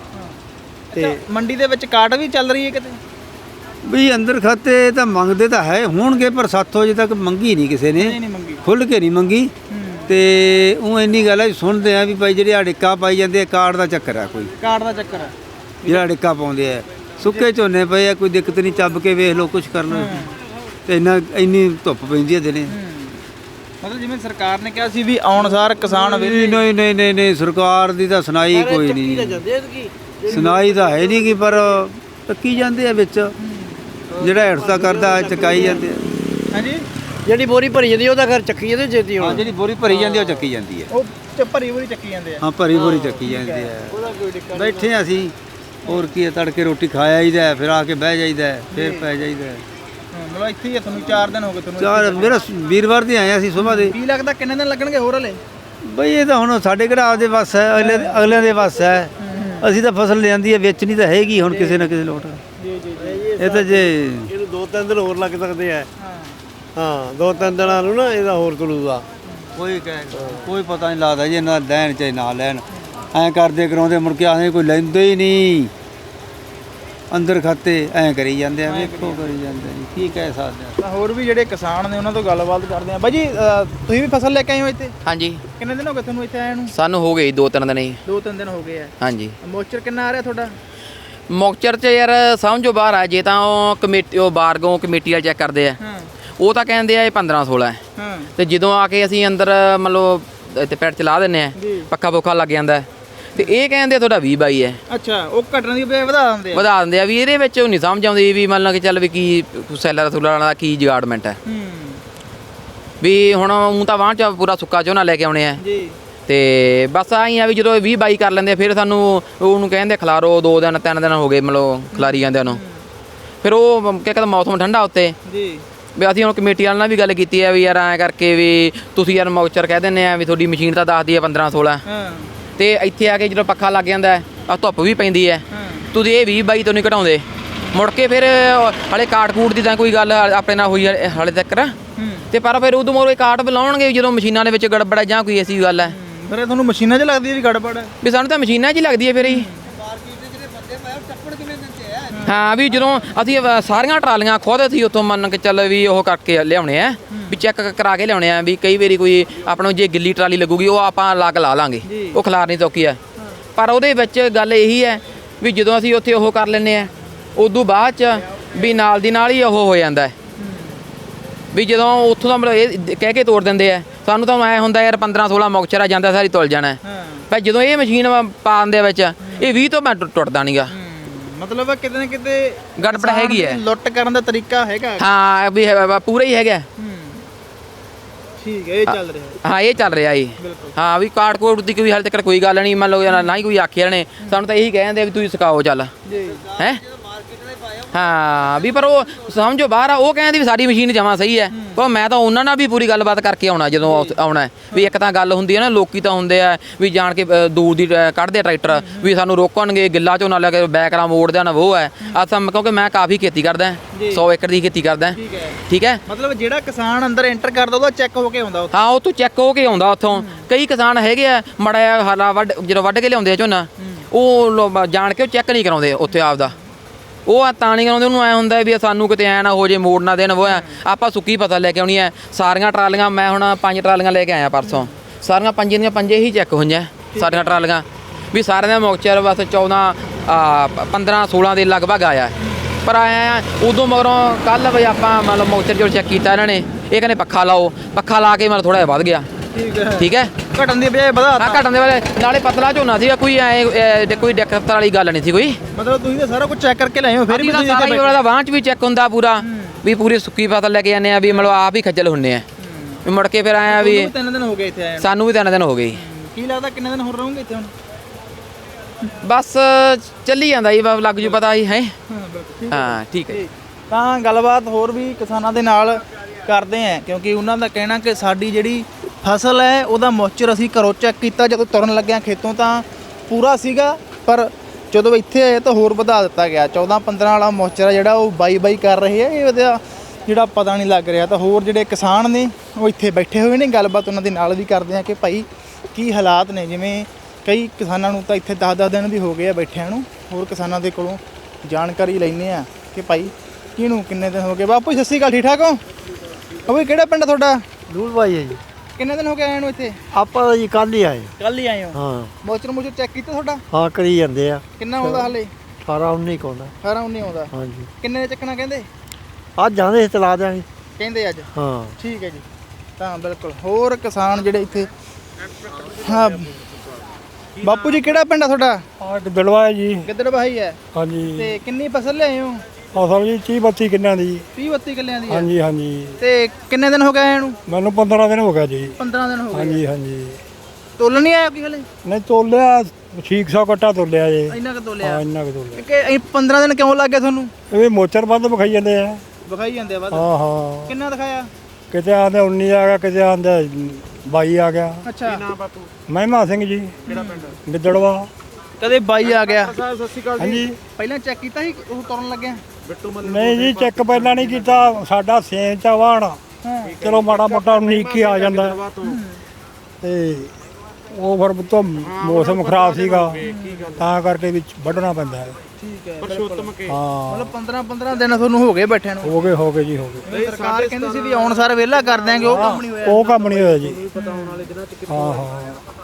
A: ਤੇ ਮੰਡੀ ਦੇ ਵਿੱਚ ਕਾਟ ਵੀ ਚੱਲ ਰਹੀ ਹੈ ਕਿਤੇ?
E: ਵੀ ਅੰਦਰ ਖਾਤੇ ਤਾਂ ਮੰਗਦੇ ਤਾਂ ਹੈ ਹੋਣਗੇ, ਪਰ ਸਾਥੋਂ ਅਜੇ ਤੱਕ ਮੰਗੀ ਨਹੀਂ ਕਿਸੇ ਨੇ, ਖੁੱਲ੍ਹ ਕੇ ਨਹੀਂ ਮੰਗੀ। ਤੇ ਉਹ ਇੰਨੀ ਗੱਲ ਹੈ ਸੁਣਦੇ ਆ ਵੀ ਭਾਈ ਜਿਹੜੇ ਅੜਿੱਕਾ ਪਾਈ ਜਾਂਦੇ ਆ, ਕਾਰਡ ਦਾ ਚੱਕਰ ਆ, ਕੋਈ
A: ਕਾਰਡ ਦਾ ਚੱਕਰ ਆ
E: ਜਿਹੜਾ ਅੜਿੱਕਾ ਪਾਉਂਦੇ ਆ। ਸੁੱਕੇ ਝੋਨੇ ਪਏ ਆ, ਕੋਈ ਦਿੱਕਤ ਨਹੀਂ, ਚੱਬ ਕੇ ਵੇਖ ਲਓ, ਕੁਛ ਕਰ ਲਓ। ਤੇ ਇੰਨਾ ਇੰਨੀ ਧੁੱਪ ਪੈਂਦੀ ਹੈ ਦਿਨੇ।
A: ਮਤਲਬ ਜਿਵੇਂ ਸਰਕਾਰ ਨੇ ਕਿਹਾ ਸੀ ਵੀ ਆਉਣ ਸਾਰ ਕਿਸਾਨ
E: ਨਹੀਂ ਨਹੀਂ ਨਹੀਂ ਨਹੀਂ ਨਹੀਂ ਸਰਕਾਰ ਦੀ ਤਾਂ ਸੁਣਾਈ ਕੋਈ ਨਹੀਂ, ਸੁਣਾਈ ਤਾਂ ਹੈ ਨਹੀਂ ਗੀ, ਪਰ ਟੱਕੀ ਜਾਂਦੇ ਆ ਵਿੱਚ, ਜਿਹੜਾ ਹੇਠਤਾ ਕਰਦਾ ਚਕਾਈ ਜਾਂਦੇ ਆ।
A: ਹਾਂਜੀ,
C: ਜਿਹੜੀ ਬੋਰੀ ਭਰੀ ਜਾਂਦੀ ਉਹਦਾ ਘਰ ਚੱਕੀ ਜਾਂਦੇ ਛੇਤੀ।
E: ਹਾਂ, ਜਿਹੜੀ ਬੋਰੀ ਭਰੀ ਜਾਂਦੀ ਉਹ ਚੱਕੀ ਜਾਂਦੀ ਹੈ।
A: ਉਹ ਚ ਭਰੀ ਬੋਰੀ ਚੱਕੀ ਜਾਂਦੇ ਆ।
E: ਹਾਂ, ਭਰੀ ਬੋਰੀ ਚੱਕੀ ਜਾਂਦੀ ਹੈ। ਬੈਠੇ ਆ ਅਸੀਂ, ਹੋਰ ਕੀ ਹੈ, ਤੜਕੇ ਰੋਟੀ ਖਾ ਆਈਦਾ, ਫਿਰ ਆ ਕੇ ਬਹਿ ਜਾਈਦਾ, ਫਿਰ ਪੈ ਜਾਈਦਾ।
A: ਮਤਲਬ ਇੱਥੇ ਹੀ ਤੁਹਾਨੂੰ ਚਾਰ ਦਿਨ ਹੋ ਗਏ ਤੁਹਾਨੂੰ?
E: ਚਾਰ, ਮੇਰਾ ਵੀਰਵਾਰ ਦੇ ਆਏ ਅਸੀਂ ਸੁਬਾਹ ਦੇ।
A: ਕੀ ਲੱਗਦਾ ਕਿੰਨੇ ਦਿਨ ਲੱਗਣਗੇ ਹੋਰ ਹਲੇ?
E: ਬਈ ਇਹ ਤਾਂ ਹੁਣ ਸਾਡੇ ਕਿਹੜਾ ਆਪਦੇ ਵੱਸ ਹੈ, ਅਗਲੇ ਅਗਲਿਆਂ ਦੇ ਵੱਸ ਹੈ। ਅਸੀਂ ਤਾਂ ਫਸਲ ਲਿਆਂਦੀ ਹੈ, ਵੇਚਣੀ ਤਾਂ ਹੈਗੀ ਹੁਣ ਕਿਸੇ ਨਾ ਕਿਸੇ ਲੋਟ।
A: ਜੀ ਜੀ
E: ਇਹ ਤਾਂ ਜੇ
C: ਇਹਨੂੰ ਦੋ ਤਿੰਨ ਦਿਨ ਹੋਰ ਲੱਗ ਸਕਦੇ ਆ। ਹਾਂ, ਦੋ ਤਿੰਨ ਦਿਨਾਂ ਨੂੰ ਨਾ ਇਹਦਾ ਹੋਰ ਤੁਲੂਗਾ।
E: ਕੋਈ ਕੋਈ ਪਤਾ ਨਹੀਂ ਲੱਗਦਾ ਜੀ, ਇਹਨਾਂ ਲੈਣ ਚਾਹੇ ਨਾ ਲੈਣ, ਐਂ ਕਰਦੇ ਕਰਾਉਂਦੇ ਮੁੜ ਕੇ ਆਖਦੇ ਕੋਈ ਲੈਂਦੇ ਹੀ ਨਹੀਂ, ਅੰਦਰ ਖਾਤੇ ਐਂ ਕਰੀ ਜਾਂਦੇ ਆ, ਵੇਖੋ ਕਰੀ ਜਾਂਦੇ ਜੀ, ਕੀ ਕਹਿ ਸਕਦੇ ਆ।
A: ਤਾਂ ਹੋਰ ਵੀ ਜਿਹੜੇ ਕਿਸਾਨ ਨੇ ਉਹਨਾਂ ਤੋਂ ਗੱਲਬਾਤ ਕਰਦੇ ਆ। ਬਾਈ ਜੀ ਤੁਸੀਂ ਵੀ ਫਸਲ ਲੈ ਕੇ ਆਏ ਹੋ ਇੱਥੇ?
F: ਹਾਂਜੀ।
A: ਕਿੰਨੇ ਦਿਨ ਹੋ ਗਏ ਤੁਹਾਨੂੰ ਇੱਥੇ ਆਏ ਨੂੰ?
F: ਸਾਨੂੰ ਹੋ ਗਏ ਦੋ ਤਿੰਨ ਦਿਨ ਹੀ।
A: ਦੋ ਤਿੰਨ ਦਿਨ ਹੋ ਗਏ ਆ।
F: ਹਾਂਜੀ।
A: ਮੋਚਰ ਕਿੰਨਾ ਆ ਰਿਹਾ ਤੁਹਾਡਾ?
F: ਮੋਕਚਰ 'ਚ ਯਾਰ ਸਮਝੋ ਬਾਹਰ ਆ, ਜੇ ਤਾਂ ਉਹ ਕਮੇਟੀ ਉਹ ਬਾਰਗੋਂ ਕਮੇਟੀ ਵਾਲੇ ਚੈੱਕ ਕਰਦੇ ਆ, ਉਹ ਤਾਂ ਕਹਿੰਦੇ ਆ ਇਹ ਪੰਦਰਾਂ ਸੋਲਾਂ ਹੈ। ਤੇ ਜਦੋਂ ਆ ਕੇ ਅਸੀਂ ਅੰਦਰ ਮਤਲਬ ਇੱਥੇ ਪੈਰ ਚਲਾ ਦਿੰਨੇ ਆ, ਪੱਖਾ ਪੁੱਖਾ ਲੱਗ ਜਾਂਦਾ, ਤੇ ਇਹ ਕਹਿੰਦੇ ਤੁਹਾਡਾ ਵੀਹ ਬਾਈ ਹੈ।
A: ਅੱਛਾ, ਉਹ ਘਟਣ ਦੀ ਬਜਾਏ ਵਧਾ ਦਿੰਦੇ ਆ?
F: ਵਧਾ ਦਿੰਦੇ ਆ। ਵੀ ਇਹਦੇ ਵਿੱਚ ਉਹ ਨਹੀਂ ਸਮਝ ਆਉਂਦੀ ਵੀ ਮੰਨ ਲਾ ਕਿ ਚੱਲ ਵੀ ਕੀ ਸੈਲਰ ਸੂਲਰ ਦਾ ਕੀ ਜਗਾੜਮੈਂਟ ਹੈ। ਵੀ ਹੁਣ ਊਂ ਤਾਂ ਵਾਹ 'ਚ ਪੂਰਾ ਸੁੱਕਾ ਝੋਨਾ ਲੈ ਕੇ ਆਉਣੇ ਆ
A: ਜੀ,
F: ਤੇ ਬਸ ਆਈ ਆ ਵੀ ਜਦੋਂ ਵੀਹ ਬਾਈ ਕਰ ਲੈਂਦੇ ਫਿਰ ਸਾਨੂੰ ਉਹਨੂੰ ਕਹਿੰਦੇ ਖਿਲਾਰੋ, ਦੋ ਦਿਨ ਤਿੰਨ ਦਿਨ ਹੋ ਗਏ ਮਤਲਬ ਖਿਲਾਰੀ ਜਾਂਦੇ ਉਹਨੂੰ। ਫਿਰ ਉਹ ਕੀ ਕਹਿੰਦਾ ਮੌਸਮ ਠੰਡਾ ਉੱਤੇ
A: ਜੀ,
F: ਵੀ ਅਸੀਂ ਹੁਣ ਕਮੇਟੀ ਵਾਲਿਆਂ ਨਾਲ ਵੀ ਗੱਲ ਕੀਤੀ ਹੈ ਵੀ ਯਾਰ ਐਂ ਕਰਕੇ ਵੀ ਤੁਸੀਂ ਯਾਰ ਮੌਚਰ ਕਹਿ ਦਿੰਦੇ ਆ ਵੀ ਤੁਹਾਡੀ ਮਸ਼ੀਨ ਤਾਂ ਦੱਸਦੀ ਹੈ ਪੰਦਰਾਂ ਸੋਲਾਂ, ਤੇ ਇੱਥੇ ਆ ਕੇ ਜਦੋਂ ਪੱਖਾ ਲੱਗ ਜਾਂਦਾ ਆ ਧੁੱਪ ਵੀ ਪੈਂਦੀ ਹੈ, ਤੁਸੀਂ ਇਹ ਵੀਹ ਬਾਈ ਤੋਂ ਨਹੀਂ ਘਟਾਉਂਦੇ। ਮੁੜ ਕੇ ਫਿਰ ਹਾਲੇ ਕਾਟ ਕੂਟ ਦੀ ਤਾਂ ਕੋਈ ਗੱਲ ਆਪਣੇ ਨਾਲ ਹੋਈ ਹਾਲੇ ਤੱਕ, ਤੇ ਪਰ ਫਿਰ ਉਦੋਂ ਮੋਰੇ ਕਾਟ ਬੁਲਾਉਣਗੇ ਜਦੋਂ ਮਸ਼ੀਨਾਂ ਦੇ ਵਿੱਚ ਗੜਬੜ ਜਾਂ ਕੋਈ ਐਸੀ ਗੱਲ ਹੈ।
A: ਫਿਰ ਤੁਹਾਨੂੰ ਮਸ਼ੀਨਾਂ 'ਚ ਲੱਗਦੀ ਹੈ ਵੀ ਗੜਬੜ ਹੈ?
F: ਵੀ ਸਾਨੂੰ ਤਾਂ ਮਸ਼ੀਨਾਂ 'ਚ ਹੀ ਲੱਗਦੀ ਹੈ ਫਿਰ ਹੀ। ਹਾਂ, ਵੀ ਜਦੋਂ ਅਸੀਂ ਸਾਰੀਆਂ ਟਰਾਲੀਆਂ ਖੁਦ ਅਸੀਂ ਉੱਥੋਂ ਮੰਨ ਕੇ ਚੱਲ ਵੀ ਉਹ ਕਰਕੇ ਲਿਆਉਣੇ ਆ, ਵੀ ਚੈੱਕ ਕਰਾ ਕੇ ਲਿਆਉਣੇ ਆ, ਵੀ ਕਈ ਵਾਰੀ ਕੋਈ ਆਪਾਂ ਨੂੰ ਜੇ ਗਿੱਲੀ ਟਰਾਲੀ ਲੱਗੂਗੀ ਉਹ ਆਪਾਂ ਲੱਗ ਲਾ ਲਾਂਗੇ, ਉਹ ਖਿਲਾਰ ਨਹੀਂ ਚੌਕੀ ਹੈ। ਪਰ ਉਹਦੇ ਵਿੱਚ ਗੱਲ ਇਹੀ ਹੈ ਵੀ ਜਦੋਂ ਅਸੀਂ ਉੱਥੇ ਉਹ ਕਰ ਲੈਂਦੇ ਆ, ਉਦੋਂ ਬਾਅਦ 'ਚ ਵੀ ਨਾਲ ਦੀ ਨਾਲ ਹੀ ਉਹ ਹੋ ਜਾਂਦਾ ਵੀ ਜਦੋਂ ਉੱਥੋਂ ਦਾ ਮਤਲਬ ਇਹ ਕਹਿ ਕੇ ਤੋੜ ਦਿੰਦੇ ਆ, ਸਾਨੂੰ ਤਾਂ ਐਂ ਹੁੰਦਾ ਯਾਰ ਪੰਦਰਾਂ ਸੋਲਾਂ ਮੁਕਚਰਾ ਜਾਂਦਾ ਸਾਰੀ ਤੁਲ ਜਾਣਾ, ਪਰ ਜਦੋਂ ਇਹ ਮਸ਼ੀਨ ਪਾ ਦਿੰਦੇ ਵਿੱਚ ਇਹ ਵੀਹ ਤੋਂ ਮੈਂ ਟੁੱਟਦਾ ਨਹੀਂਗਾ।
A: ਮਤਲਬ ਕਿਤੇ ਨਾ ਕਿਤੇ
F: ਗੜਬੜ ਹੈਗੀ ਹੈ,
A: ਲੁੱਟ ਕਰਨ ਦਾ ਤਰੀਕਾ ਹੈਗਾ।
F: ਹਾਂ, ਵੀ ਪੂਰਾ ਹੀ ਹੈਗਾ।
A: ਠੀਕ ਹੈ, ਇਹ ਚੱਲ ਰਿਹਾ
F: ਹਾਂ ਇਹ ਚੱਲ ਰਿਹਾ ਜੀ ਹਾਂ ਵੀ ਕਾਟ ਕੋਟ ਦੀ ਕੋਈ ਹਾਲੇ ਤੱਕ ਕੋਈ ਗੱਲ ਨਹੀਂ ਮੰਨ ਲਓ ਨਾ ਹੀ ਕੋਈ ਆਖਿਆ ਨੇ ਸਾਨੂੰ ਤਾਂ ਇਹੀ ਕਹਿੰਦੇ ਆ ਵੀ ਤੁਸੀਂ ਸਿਖਾਓ ਚੱਲ
A: ਜੀ
F: ਹੈ ਹਾਂ ਵੀ ਪਰ ਉਹ ਸਮਝੋ ਬਾਹਰ ਆ ਉਹ ਕਹਿੰਦੇ ਵੀ ਸਾਡੀ ਮਸ਼ੀਨ ਜਮਾਂ ਸਹੀ ਹੈ ਪਰ ਮੈਂ ਤਾਂ ਉਹਨਾਂ ਨਾਲ ਵੀ ਪੂਰੀ ਗੱਲਬਾਤ ਕਰਕੇ ਆਉਣਾ ਜਦੋਂ ਆਉ- ਆਉਣਾ ਹੈ। ਵੀ ਇੱਕ ਤਾਂ ਗੱਲ ਹੁੰਦੀ ਹੈ ਨਾ ਲੋਕੀ ਤਾਂ ਹੁੰਦੇ ਆ ਵੀ ਜਾਣ ਕੇ ਅ, ਦੂਰ ਦੀ ਅ, ਕੱਢਦੇ ਆ ਟਰੈਕਟਰ ਵੀ ਸਾਨੂੰ ਰੋਕਣਗੇ ਗਿੱਲਾ ਝੋਨਾ ਲੈ ਕੇ ਬੈਕਰਾਂ ਮੋੜਦੇ ਨਾ ਉਹ ਹੈ ਅਸਾਂ ਕਿਉਂਕਿ ਮੈਂ ਕਾਫੀ ਖੇਤੀ ਕਰਦਾ ਸੌ ਏਕੜ ਦੀ ਖੇਤੀ ਕਰਦਾ ਠੀਕ ਹੈ
A: ਮਤਲਬ ਜਿਹੜਾ ਕਿਸਾਨ ਅੰਦਰ ਐਂਟਰ ਕਰਦਾ ਉਹਦਾ ਚੈੱਕ ਹੋ ਕੇ ਆਉਂਦਾ ਉੱਥੇ
F: ਹਾਂ ਉਹ ਤੋਂ ਚੈੱਕ ਹੋ ਕੇ ਆਉਂਦਾ ਉੱਥੋਂ ਕਈ ਕਿਸਾਨ ਹੈਗੇ ਆ ਮੜਾ ਹਾਲਾ ਵੱਢ ਜਦੋਂ ਵੱਢ ਕੇ ਲਿਆਉਂਦੇ ਆ ਝੋਨਾ ਉਹ ਲੋ- ਜਾਣ ਕੇ ਉਹ ਚੈੱਕ ਨਹੀਂ ਕਰਾਉਂਦੇ ਉੱਥੇ ਆਪਦਾ ਉਹ ਆ ਤਾਂ ਨਹੀਂ ਕਰਾਉਂਦੇ ਉਹਨੂੰ ਐ ਹੁੰਦਾ ਵੀ ਸਾਨੂੰ ਕਿਤੇ ਐ ਨਾ ਹੋ ਜੇ ਮੋੜ ਨਾ ਦੇਣ ਉਹ ਐ ਆਪਾਂ ਸੁੱਕੀ ਫਸਲ ਲੈ ਕੇ ਆਉਣੀ ਐ ਸਾਰੀਆਂ ਟਰਾਲੀਆਂ ਮੈਂ ਹੁਣ ਪੰਜ ਟਰਾਲੀਆਂ ਲੈ ਕੇ ਆਇਆ ਪਰਸੋਂ ਸਾਰੀਆਂ ਪੰਜੇ ਦੀਆਂ ਪੰਜੇ ਹੀ ਚੈੱਕ ਹੋਈਆਂ ਸਾਰੀਆਂ ਟਰਾਲੀਆਂ ਵੀ ਸਾਰਿਆਂ ਦਾ ਮੌਕਚਰ ਬਸ ਚੌਦਾਂ ਪੰਦਰਾਂ ਸੋਲਾਂ ਦੇ ਲਗਭਗ ਆਇਆ ਪਰ ਆਇਆ ਉਦੋਂ ਮਗਰੋਂ ਕੱਲ ਵੀ ਆਪਾਂ ਮਤਲਬ ਮੌਕਚਰ ਜਦੋਂ ਚੈੱਕ ਕੀਤਾ ਇਹਨਾਂ ਨੇ ਇਹ ਕਹਿੰਦੇ ਪੱਖਾ ਲਾਓ ਪੱਖਾ ਲਾ ਕੇ ਮਤਲਬ ਥੋੜਾ ਜਿਹਾ ਵੱਧ ਗਿਆ
A: ਠੀਕ ਹੈ
F: ਠੀਕ ਹੈ
A: ਘਟਣ ਦੀ ਬਜਾਏ ਵਧਾ
F: ਹਾਂ ਘਟਣ ਦੇ ਵਾਲੇ ਨਾਲੇ ਪਤਲਾ ਝੋਨਾ ਸੀਗਾ ਕੋਈ ਐ ਕੋਈ ਦਿੱਕਤ ਵਾਲੀ ਗੱਲ ਨਹੀਂ ਸੀ ਕੋਈ
A: ਮਤਲਬ ਤੁਸੀਂ ਤਾਂ ਸਾਰਾ ਕੁਝ ਚੈੱਕ ਕਰਕੇ ਲਾਏ ਹੋ ਫਿਰ ਵੀ ਤੁਸੀਂ
F: ਸਾਰਾ ਹੀ ਵਾਲਾ ਵਾਂਹ ਚ ਵੀ ਚੈੱਕ ਹੁੰਦਾ ਪੂਰਾ ਵੀ ਪੂਰੀ ਸੁੱਕੀ ਫਸਲ ਲੈ ਕੇ ਜਾਂਦੇ ਆ ਵੀ ਮਤਲਬ ਆਪ ਹੀ ਖੱਜਲ ਹੁੰਨੇ ਆ ਵੀ ਮੁੜ ਕੇ ਫਿਰ ਆਇਆ ਵੀ
A: ਤਿੰਨ ਦਿਨ ਹੋ ਗਏ ਇੱਥੇ ਆਏ
F: ਸਾਨੂੰ ਵੀ ਤਿੰਨ ਦਿਨ ਹੋ ਗਏ
A: ਕੀ ਲੱਗਦਾ ਕਿੰਨੇ ਦਿਨ ਹੋਰ ਰਹੋਗੇ ਇੱਥੇ ਹੁਣ
F: ਬਸ ਚੱਲੀ ਜਾਂਦਾ ਜੀ ਬਸ ਲੱਗ ਜੂ ਪਤਾ ਹੀ ਹੈ
A: ਹਾਂ ਬਿਲਕੁਲ
F: ਹਾਂ ਠੀਕ ਹੈ
A: ਤਾਂ ਗੱਲਬਾਤ ਹੋਰ ਵੀ ਕਿਸਾਨਾਂ ਦੇ ਨਾਲ ਕਰਦੇ ਆ ਕਿਉਂਕਿ ਉਹਨਾਂ ਦਾ ਕਹਿਣਾ ਕਿ ਸਾਡੀ ਜਿਹੜੀ ਫਸਲ ਹੈ ਉਹਦਾ ਮੌਚਰ ਅਸੀਂ ਘਰੋਂ ਚੈੱਕ ਕੀਤਾ ਜਦੋਂ ਤੁਰਨ ਲੱਗਿਆ ਖੇਤੋਂ ਤਾਂ ਪੂਰਾ ਸੀਗਾ ਪਰ ਜਦੋਂ ਇੱਥੇ ਆਏ ਤਾਂ ਹੋਰ ਵਧਾ ਦਿੱਤਾ ਗਿਆ ਚੌਦਾਂ ਪੰਦਰਾਂ ਵਾਲਾ ਮੌਚਰ ਜਿਹੜਾ ਉਹ ਬਾਈ ਬਾਈ ਕਰ ਰਹੇ ਆ ਇਹ ਉਹਦਾ ਜਿਹੜਾ ਪਤਾ ਨਹੀਂ ਲੱਗ ਰਿਹਾ ਤਾਂ ਹੋਰ ਜਿਹੜੇ ਕਿਸਾਨ ਨੇ ਉਹ ਇੱਥੇ ਬੈਠੇ ਹੋਏ ਨੇ ਗੱਲਬਾਤ ਉਹਨਾਂ ਦੇ ਨਾਲ ਵੀ ਕਰਦੇ ਆ ਕਿ ਭਾਈ ਕੀ ਹਾਲਾਤ ਨੇ ਜਿਵੇਂ ਕਈ ਕਿਸਾਨਾਂ ਨੂੰ ਤਾਂ ਇੱਥੇ ਦਸ ਦਸ ਦਿਨ ਵੀ ਹੋ ਗਏ ਆ ਬੈਠਿਆਂ ਨੂੰ ਹੋਰ ਕਿਸਾਨਾਂ ਦੇ ਕੋਲੋਂ ਜਾਣਕਾਰੀ ਲੈਂਦੇ ਆ ਕਿ ਭਾਈ ਕਿਹਨੂੰ ਕਿੰਨੇ ਦਿਨ ਹੋ ਗਏ ਬਾਪੂ ਸਤਿ ਸ਼੍ਰੀ ਅਕਾਲ ਠੀਕ ਠਾਕ ਹੋ ਉਹ ਵੀ ਕਿਹੜਾ ਪਿੰਡ ਆ ਤੁਹਾਡਾ
C: ਦੂਰ ਭਾਈ ਹੈ ਜੀ
A: ਕਿੰਨੇ ਦਿਨ ਹੋ ਗਏ ਆਏ ਨੂੰ ਇੱਥੇ
C: ਆਪਾਂ ਤਾਂ ਜੀ ਕੱਲ ਹੀ ਆਏ
A: ਕੱਲ ਹੀ ਆਏ ਹੋ
C: ਹਾਂ
A: ਮੋਚਰ ਮੋਚਰ ਚੈੱਕ ਕੀਤਾ ਤੁਹਾਡਾ
C: ਹਾਂ ਕਰੀ ਜਾਂਦੇ ਆ
A: ਕਿੰਨਾ ਆਉਂਦਾ ਹਲੇ
C: ਅਠਾਰਾਂ ਉੱਨੀ ਕੋਣਾ
A: ਅਠਾਰਾਂ ਉੱਨੀ ਆਉਂਦਾ
C: ਹਾਂਜੀ
A: ਕਿੰਨੇ ਦੇ ਚੱਕਣਾ ਕਹਿੰਦੇ
C: ਅੱਜ ਜਾਂਦੇ ਤਲਾ ਦਿਆਂਗੇ
A: ਕਹਿੰਦੇ ਅੱਜ
C: ਹਾਂ
A: ਠੀਕ ਹੈ ਜੀ ਤਾਂ ਬਿਲਕੁਲ ਹੋਰ ਕਿਸਾਨ ਜਿਹੜੇ ਇੱਥੇ ਹਾਂ ਬਾਪੂ ਜੀ ਕਿਹੜਾ ਪਿੰਡ ਆ ਤੁਹਾਡਾ
C: ਆ ਬਿਲਵਾ ਜੀ
A: ਗਿੱਦੜ ਬਾਈ ਹੈ
C: ਹਾਂਜੀ
A: ਤੇ ਕਿੰਨੀ ਫਸਲ ਲਿਆਏ ਹੋ
C: ਫਸਲ ਜੀ ਤੀਹ ਬੱਤੀ ਕਿੰਨਾਂ ਦੀ
A: ਤੀਹ ਬੱਤੀ ਕਿੱਲਿਆਂ ਦੀ ਹੈ
C: ਹਾਂਜੀ ਹਾਂਜੀ
A: ਤੇ ਕਿੰਨੇ ਦਿਨ ਹੋ ਗਏ ਆਏ ਨੂੰ
C: ਮੈਨੂੰ ਪੰਦਰਾਂ ਦਿਨ ਹੋ ਗਿਆ ਜੀ
A: ਪੰਦਰਾਂ ਦਿਨ ਹੋ ਗਏ
C: ਹਾਂਜੀ ਹਾਂਜੀ
A: ਤੋਲਣ ਨਹੀਂ ਆਇਆ ਕੋਈ ਹਲੇ
C: ਨਹੀਂ ਤੋਲਿਆ ਛੇ ਸੌ ਕੱਟਾ ਤੋਲਿਆ ਜੀ
A: ਇੰਨਾ ਕੁ ਤੋਲਿਆ
C: ਹਾਂ ਇੰਨਾ ਕੁ ਤੋਲਿਆ
A: ਕਿ ਇਹ ਪੰਦਰਾਂ ਦਿਨ ਕਿਉਂ ਲੱਗ ਗਏ ਤੁਹਾਨੂੰ
C: ਇਹ ਮੋਚਰ ਵੱਧ ਵਿਖਾਈ ਜਾਂਦੇ ਆ
A: ਵਿਖਾਈ ਜਾਂਦੇ ਆ ਵੱਧ
C: ਹਾਂ ਹਾਂ
A: ਕਿੰਨਾ ਦਿਖਾਇਆ
C: ਕਿਤੇ ਆਂਦੇ ਉੱਨੀ ਆ ਗਿਆ ਕਿਤੇ ਆਂਦੇ ਬਾਈ ਆ ਗਿਆ
A: ਅੱਛਾ
C: ਮਹਿਮਾ ਸਿੰਘ ਜੀ ਕਿਹੜਾ ਪਿੰਡ ਗਿੱਦੜਵਾ
A: ਕਦੇ ਬਾਈ ਆ ਗਿਆ
C: ਸਤਿ ਸ਼੍ਰੀ ਅਕਾਲ ਹਾਂਜੀ
A: ਪਹਿਲਾਂ ਚੈੱਕ ਕੀਤਾ ਸੀ ਉਹ ਤੁਰਨ ਲੱਗਿਆ
C: ਨਹੀਂ ਜੀ ਚੈੱਕ ਪਹਿਲਾਂ ਨਹੀਂ ਕੀਤਾ ਸਾਡਾ ਸੇਮ ਚ ਵਾਣ ਚਲੋ ਮਾੜਾ ਮੋਟਾ ਉਨੀਕ ਹੀ ਆ ਜਾਂਦਾ ਤੇ ਉਹ ਫਿਰ ਤੋਂ ਮੌਸਮ ਖਰਾਬ ਸੀਗਾ ਤਾਂ ਕਰਕੇ ਵਿੱਚ ਵੱਢਣਾ ਪੈਂਦਾ ਹੈ
A: ਠੀਕ ਹੈ ਪਰਸ਼ੋਤਮ ਕੇ
C: ਹਾਂ
A: ਮਤਲਬ ਪੰਦਰਾਂ ਪੰਦਰਾਂ ਦਿਨ ਤੁਹਾਨੂੰ ਹੋ ਗਏ ਬੈਠਿਆਂ ਨੂੰ
C: ਹੋ ਗਏ ਹੋ ਗਏ ਜੀ ਹੋ ਗਏ
A: ਸਰਕਾਰ ਕਹਿੰਦੀ ਸੀ ਵੀ ਆਉਣ ਸਾਰ ਵਿਹਲਾ ਕਰ ਦਿਆਂਗੇ ਉਹ ਕੰਮ ਨਹੀਂ ਹੋਇਆ
C: ਉਹ ਕੰਮ ਨਹੀਂ ਹੋਇਆ ਜੀ ਹਾਂ ਹਾਂ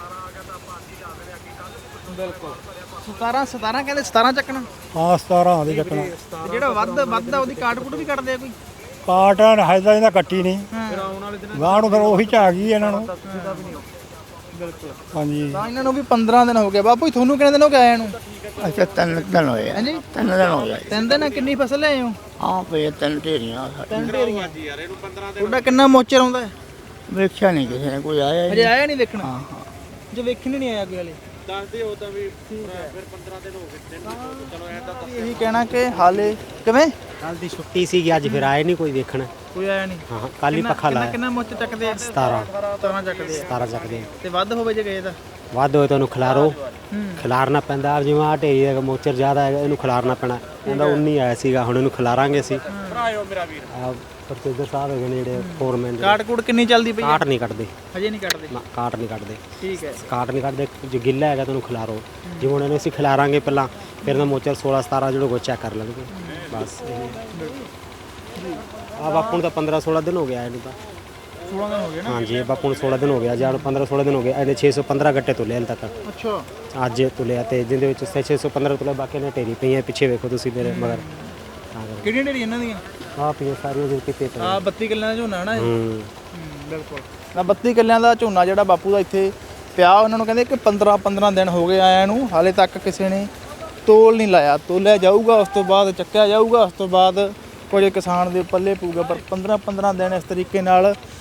A: ਬਿਲਕੁਲ ਸਤਾਰਾਂ ਸਤਾਰਾਂ ਕਹਿੰਦੇ ਸਤਾਰਾਂ ਚੱਕਣਾ
C: ਹਾਂ ਸਤਾਰਾਂ ਦੇ ਚੱਕਣਾ
A: ਤੇ ਜਿਹੜਾ ਵੱਧ ਵੱਧਦਾ ਉਹਦੀ ਕਾਟ ਕੁੱਟ ਵੀ ਕੱਟਦੇ ਆ ਕੋਈ
C: ਕਾਟਨ ਹਜਦਾ ਇਹਦਾ ਕੱਟੀ ਨਹੀਂ
A: ਹਾਂ
C: ਗਾਂ ਨੂੰ ਫਿਰ ਉਹੀ ਚ ਆ ਗਈ ਇਹਨਾਂ ਨੂੰ
A: ਬਿਲਕੁਲ
C: ਹਾਂਜੀ
A: ਤਾਂ ਇਹਨਾਂ ਨੂੰ ਵੀ ਪੰਦਰਾਂ ਦਿਨ ਹੋ ਗਏ ਬਾਪੂ ਜੀ, ਤੁਹਾਨੂੰ ਕਿੰਨੇ ਦਿਨ ਹੋ ਗਏ ਆਇਆਂ ਨੂੰ
J: ਅੱਛਾ ਤਿੰਨ ਦਿਨ ਹੋਏ ਆ
A: ਹਾਂਜੀ
J: ਤਿੰਨ ਦਿਨ ਹੋ ਗਏ
A: ਤਿੰਨ ਦਿਨ ਕਿੰਨੀ ਫਸਲ ਲਿਆਏ ਹੋ
J: ਹਾਂ ਪਏ ਤਿੰਨ ਢੇਰੀਆਂ
A: ਤਿੰਨ ਢੇਰੀਆਂ ਤੁਹਾਡਾ ਕਿੰਨਾ ਮੋਚਰ ਆਉਂਦਾ ਹੈ
J: ਵੇਖਿਆ ਨਹੀਂ ਕਿਸੇ ਨੇ ਕੋਈ ਆਇਆ ਹੀ
A: ਅਜੇ
J: ਨਹੀਂ
A: ਆਇਆ ਨਹੀਂ ਦੇਖਣਾ
J: ਹਾਂ ਹਾਂ
A: ਜੇ ਵੇਖਣ ਹੀ ਨਹੀਂ ਆਇਆ ਕੋਈ ਹਲੇ
B: ਦੱਸਦੇ ਹੋ ਤਾਂ ਵੀ ਫਿਰ ਪੰਦਰਾਂ ਦਿਨ ਹੋ ਗਏ ਚਲੋ ਐਂ ਤਾਂ
A: ਇਹੀ ਕਹਿਣਾ ਕਿ ਹਾਲੇ ਕਿਵੇਂ
K: ਕੱਲ ਦੀ ਛੁੱਟੀ ਸੀਗੀ ਅੱਜ ਫਿਰ ਆਏ ਨਹੀਂ ਕੋਈ ਦੇਖਣ
A: ਕੋਈ ਆਇਆ ਨਹੀਂ
K: ਹਾਂ ਕੱਲ ਹੀ
A: ਕਿੰਨਾ-
K: ਪੱਖਾ
A: ਕਿੰਨਾ-
K: ਲਾਇਆ
A: ਕਿੰਨਾ ਮੁੱਚ ਚੱਕਦੇ ਆ
K: ਸਤਾਰਾਂ
A: ਸਤਾਰਾਂ ਚੱਕਦੇ ਆ
K: ਸਤਾਰਾਂ ਚੱਕਦੇ
A: ਤੇ ਵੱਧ ਹੋਵੇ ਜੇ ਗਏ ਤਾਂ
K: ਵੱਧ ਹੋਏ ਤਾਂ ਉਹਨੂੰ ਖਿਲਾਰੋ
A: ਹੂੰ
K: ਖਿਲਾਰਨਾ ਪੈਂਦਾ ਆਪ ਜਿਵੇਂ ਆ ਢੇਰੀ ਦਾ ਮੋਚਰ ਜ਼ਿਆਦਾ ਹੈਗਾ ਇਹਨੂੰ ਖਿਲਾਰਨਾ ਪੈਣਾ ਇਹਦਾ ਉੱਨੀ ਆਇਆ ਸੀਗਾ ਹੁਣ ਇਹਨੂੰ ਖਿਲਾਰਾਂਗੇ ਅਸੀਂ
B: ਭਰਾਇਓ ਮੇਰਾ ਵੀਰ
K: ਆ ਪ੍ਰੋਫੈਸਰ ਸਾਹਿਬ ਹੈਗੇ ਨੇ ਜਿਹੜੇ ਫੋਰਮੈਨ
A: ਕਾਟ ਕੂਟ ਕਿੰਨੀ ਚੱਲਦੀ ਪਈ ਹੈ
K: ਕਾਟ ਨਹੀਂ ਕੱਢਦੇ
A: ਹਜੇ ਨਹੀਂ ਕੱਢਦੇ
K: ਨਾ ਕਾਟ ਨਹੀਂ ਕੱਢਦੇ
A: ਠੀਕ ਹੈ
K: ਕਾਟ ਨਹੀਂ ਕੱਢਦੇ ਜੋ ਗਿੱਲਾ ਹੈਗਾ ਤਾਂ ਉਹਨੂੰ ਖਿਲਾਰੋ ਜਿਵੇਂ ਹੁਣ ਇਹਨੂੰ ਅਸੀਂ ਖਿਲਾਰਾਂਗੇ ਪਹਿਲਾਂ ਫਿਰ ਇਹਦਾ ਮੋਚਰ ਸੋਲਾਂ ਸਤਾਰਾਂ ਜਿਹੜਾ ਚੈੱਕ ਕਰ ਲੈਣਗੇ ਬਸ ਆ ਬਾਪੂ ਨੂੰ ਤਾਂ ਪੰਦਰਾਂ ਸੋਲਾਂ ਦਿਨ ਹੋ ਗਿਆ ਇਹਨੂੰ ਤਾਂ
A: ਸੋਲਾਂ ਦਿਨ ਹੋ ਗਏ ਨਾ
K: ਹਾਂਜੀ ਇਹ ਬਾਪੂ ਨੂੰ ਸੋਲਾਂ ਦਿਨ ਹੋ ਗਿਆ ਜਾਂ ਪੰਦਰਾਂ ਸੋਲਾਂ ਦਿਨ ਹੋ ਗਏ ਇਹਨੇ ਛੇ ਸੌ ਪੰਦਰਾਂ ਗੱਟੇ ਤੁਲੇ ਹਾਲੇ ਤੱਕ
A: ਅੱਛਾ
K: ਅੱਜ ਤੁਲਿਆ ਤੇ ਜਿਹਦੇ ਵਿੱਚ ਛੇ ਸੌ ਪੰਦਰਾਂ ਤੁਲੇ ਬਾਕੀ ਨੇ ਢੇਰੀ ਪਈਆਂ ਪਿੱਛੇ ਵੇਖੋ ਤੁਸੀਂ ਮੇਰੇ ਮਗਰ
A: ਕਿਹੜੀਆਂ ਢੇਰੀਆਂ ਇਹਨਾਂ ਦੀਆਂ
K: ਆ ਪਈਆਂ ਸਾਰੀਆਂ ਜਿਹੜੇ ਕਿਤੇ ਪਏ
A: ਆ ਬੱਤੀ ਕਿੱਲਿਆਂ ਦਾ ਝੋਨਾ ਨਾ ਇਹ
K: ਹੂੰ
A: ਬਿਲਕੁਲ ਨਾ ਬੱਤੀ ਕਿੱਲਿਆਂ ਦਾ ਝੋਨਾ ਜਿਹੜਾ ਬਾਪੂ ਦਾ ਇੱਥੇ ਪਿਆ ਉਹਨਾਂ ਨੂੰ ਕਹਿੰਦੇ ਕਿ ਪੰਦਰਾਂ ਪੰਦਰਾਂ ਦਿਨ ਹੋ ਗਏ ਆਇਆਂ ਨੂੰ ਹਾਲੇ ਤੱਕ ਕਿਸੇ ਨੇ ਤੋਲ ਨਹੀਂ ਲਾਇਆ ਤੋਲਿਆ ਜਾਊਗਾ ਉਸ ਤੋਂ ਬਾਅਦ ਚੱਕਿਆ ਜਾਊਗਾ ਉਸ ਤੋਂ ਬਾਅਦ ਕੁਝ ਕਿਸਾਨ ਦੇ ਪੱਲੇ ਪਊਗਾ ਪਰ ਪੰਦਰਾਂ ਪੰਦਰਾਂ ਦਿਨ ਇਸ ਤਰੀਕੇ ਨਾਲ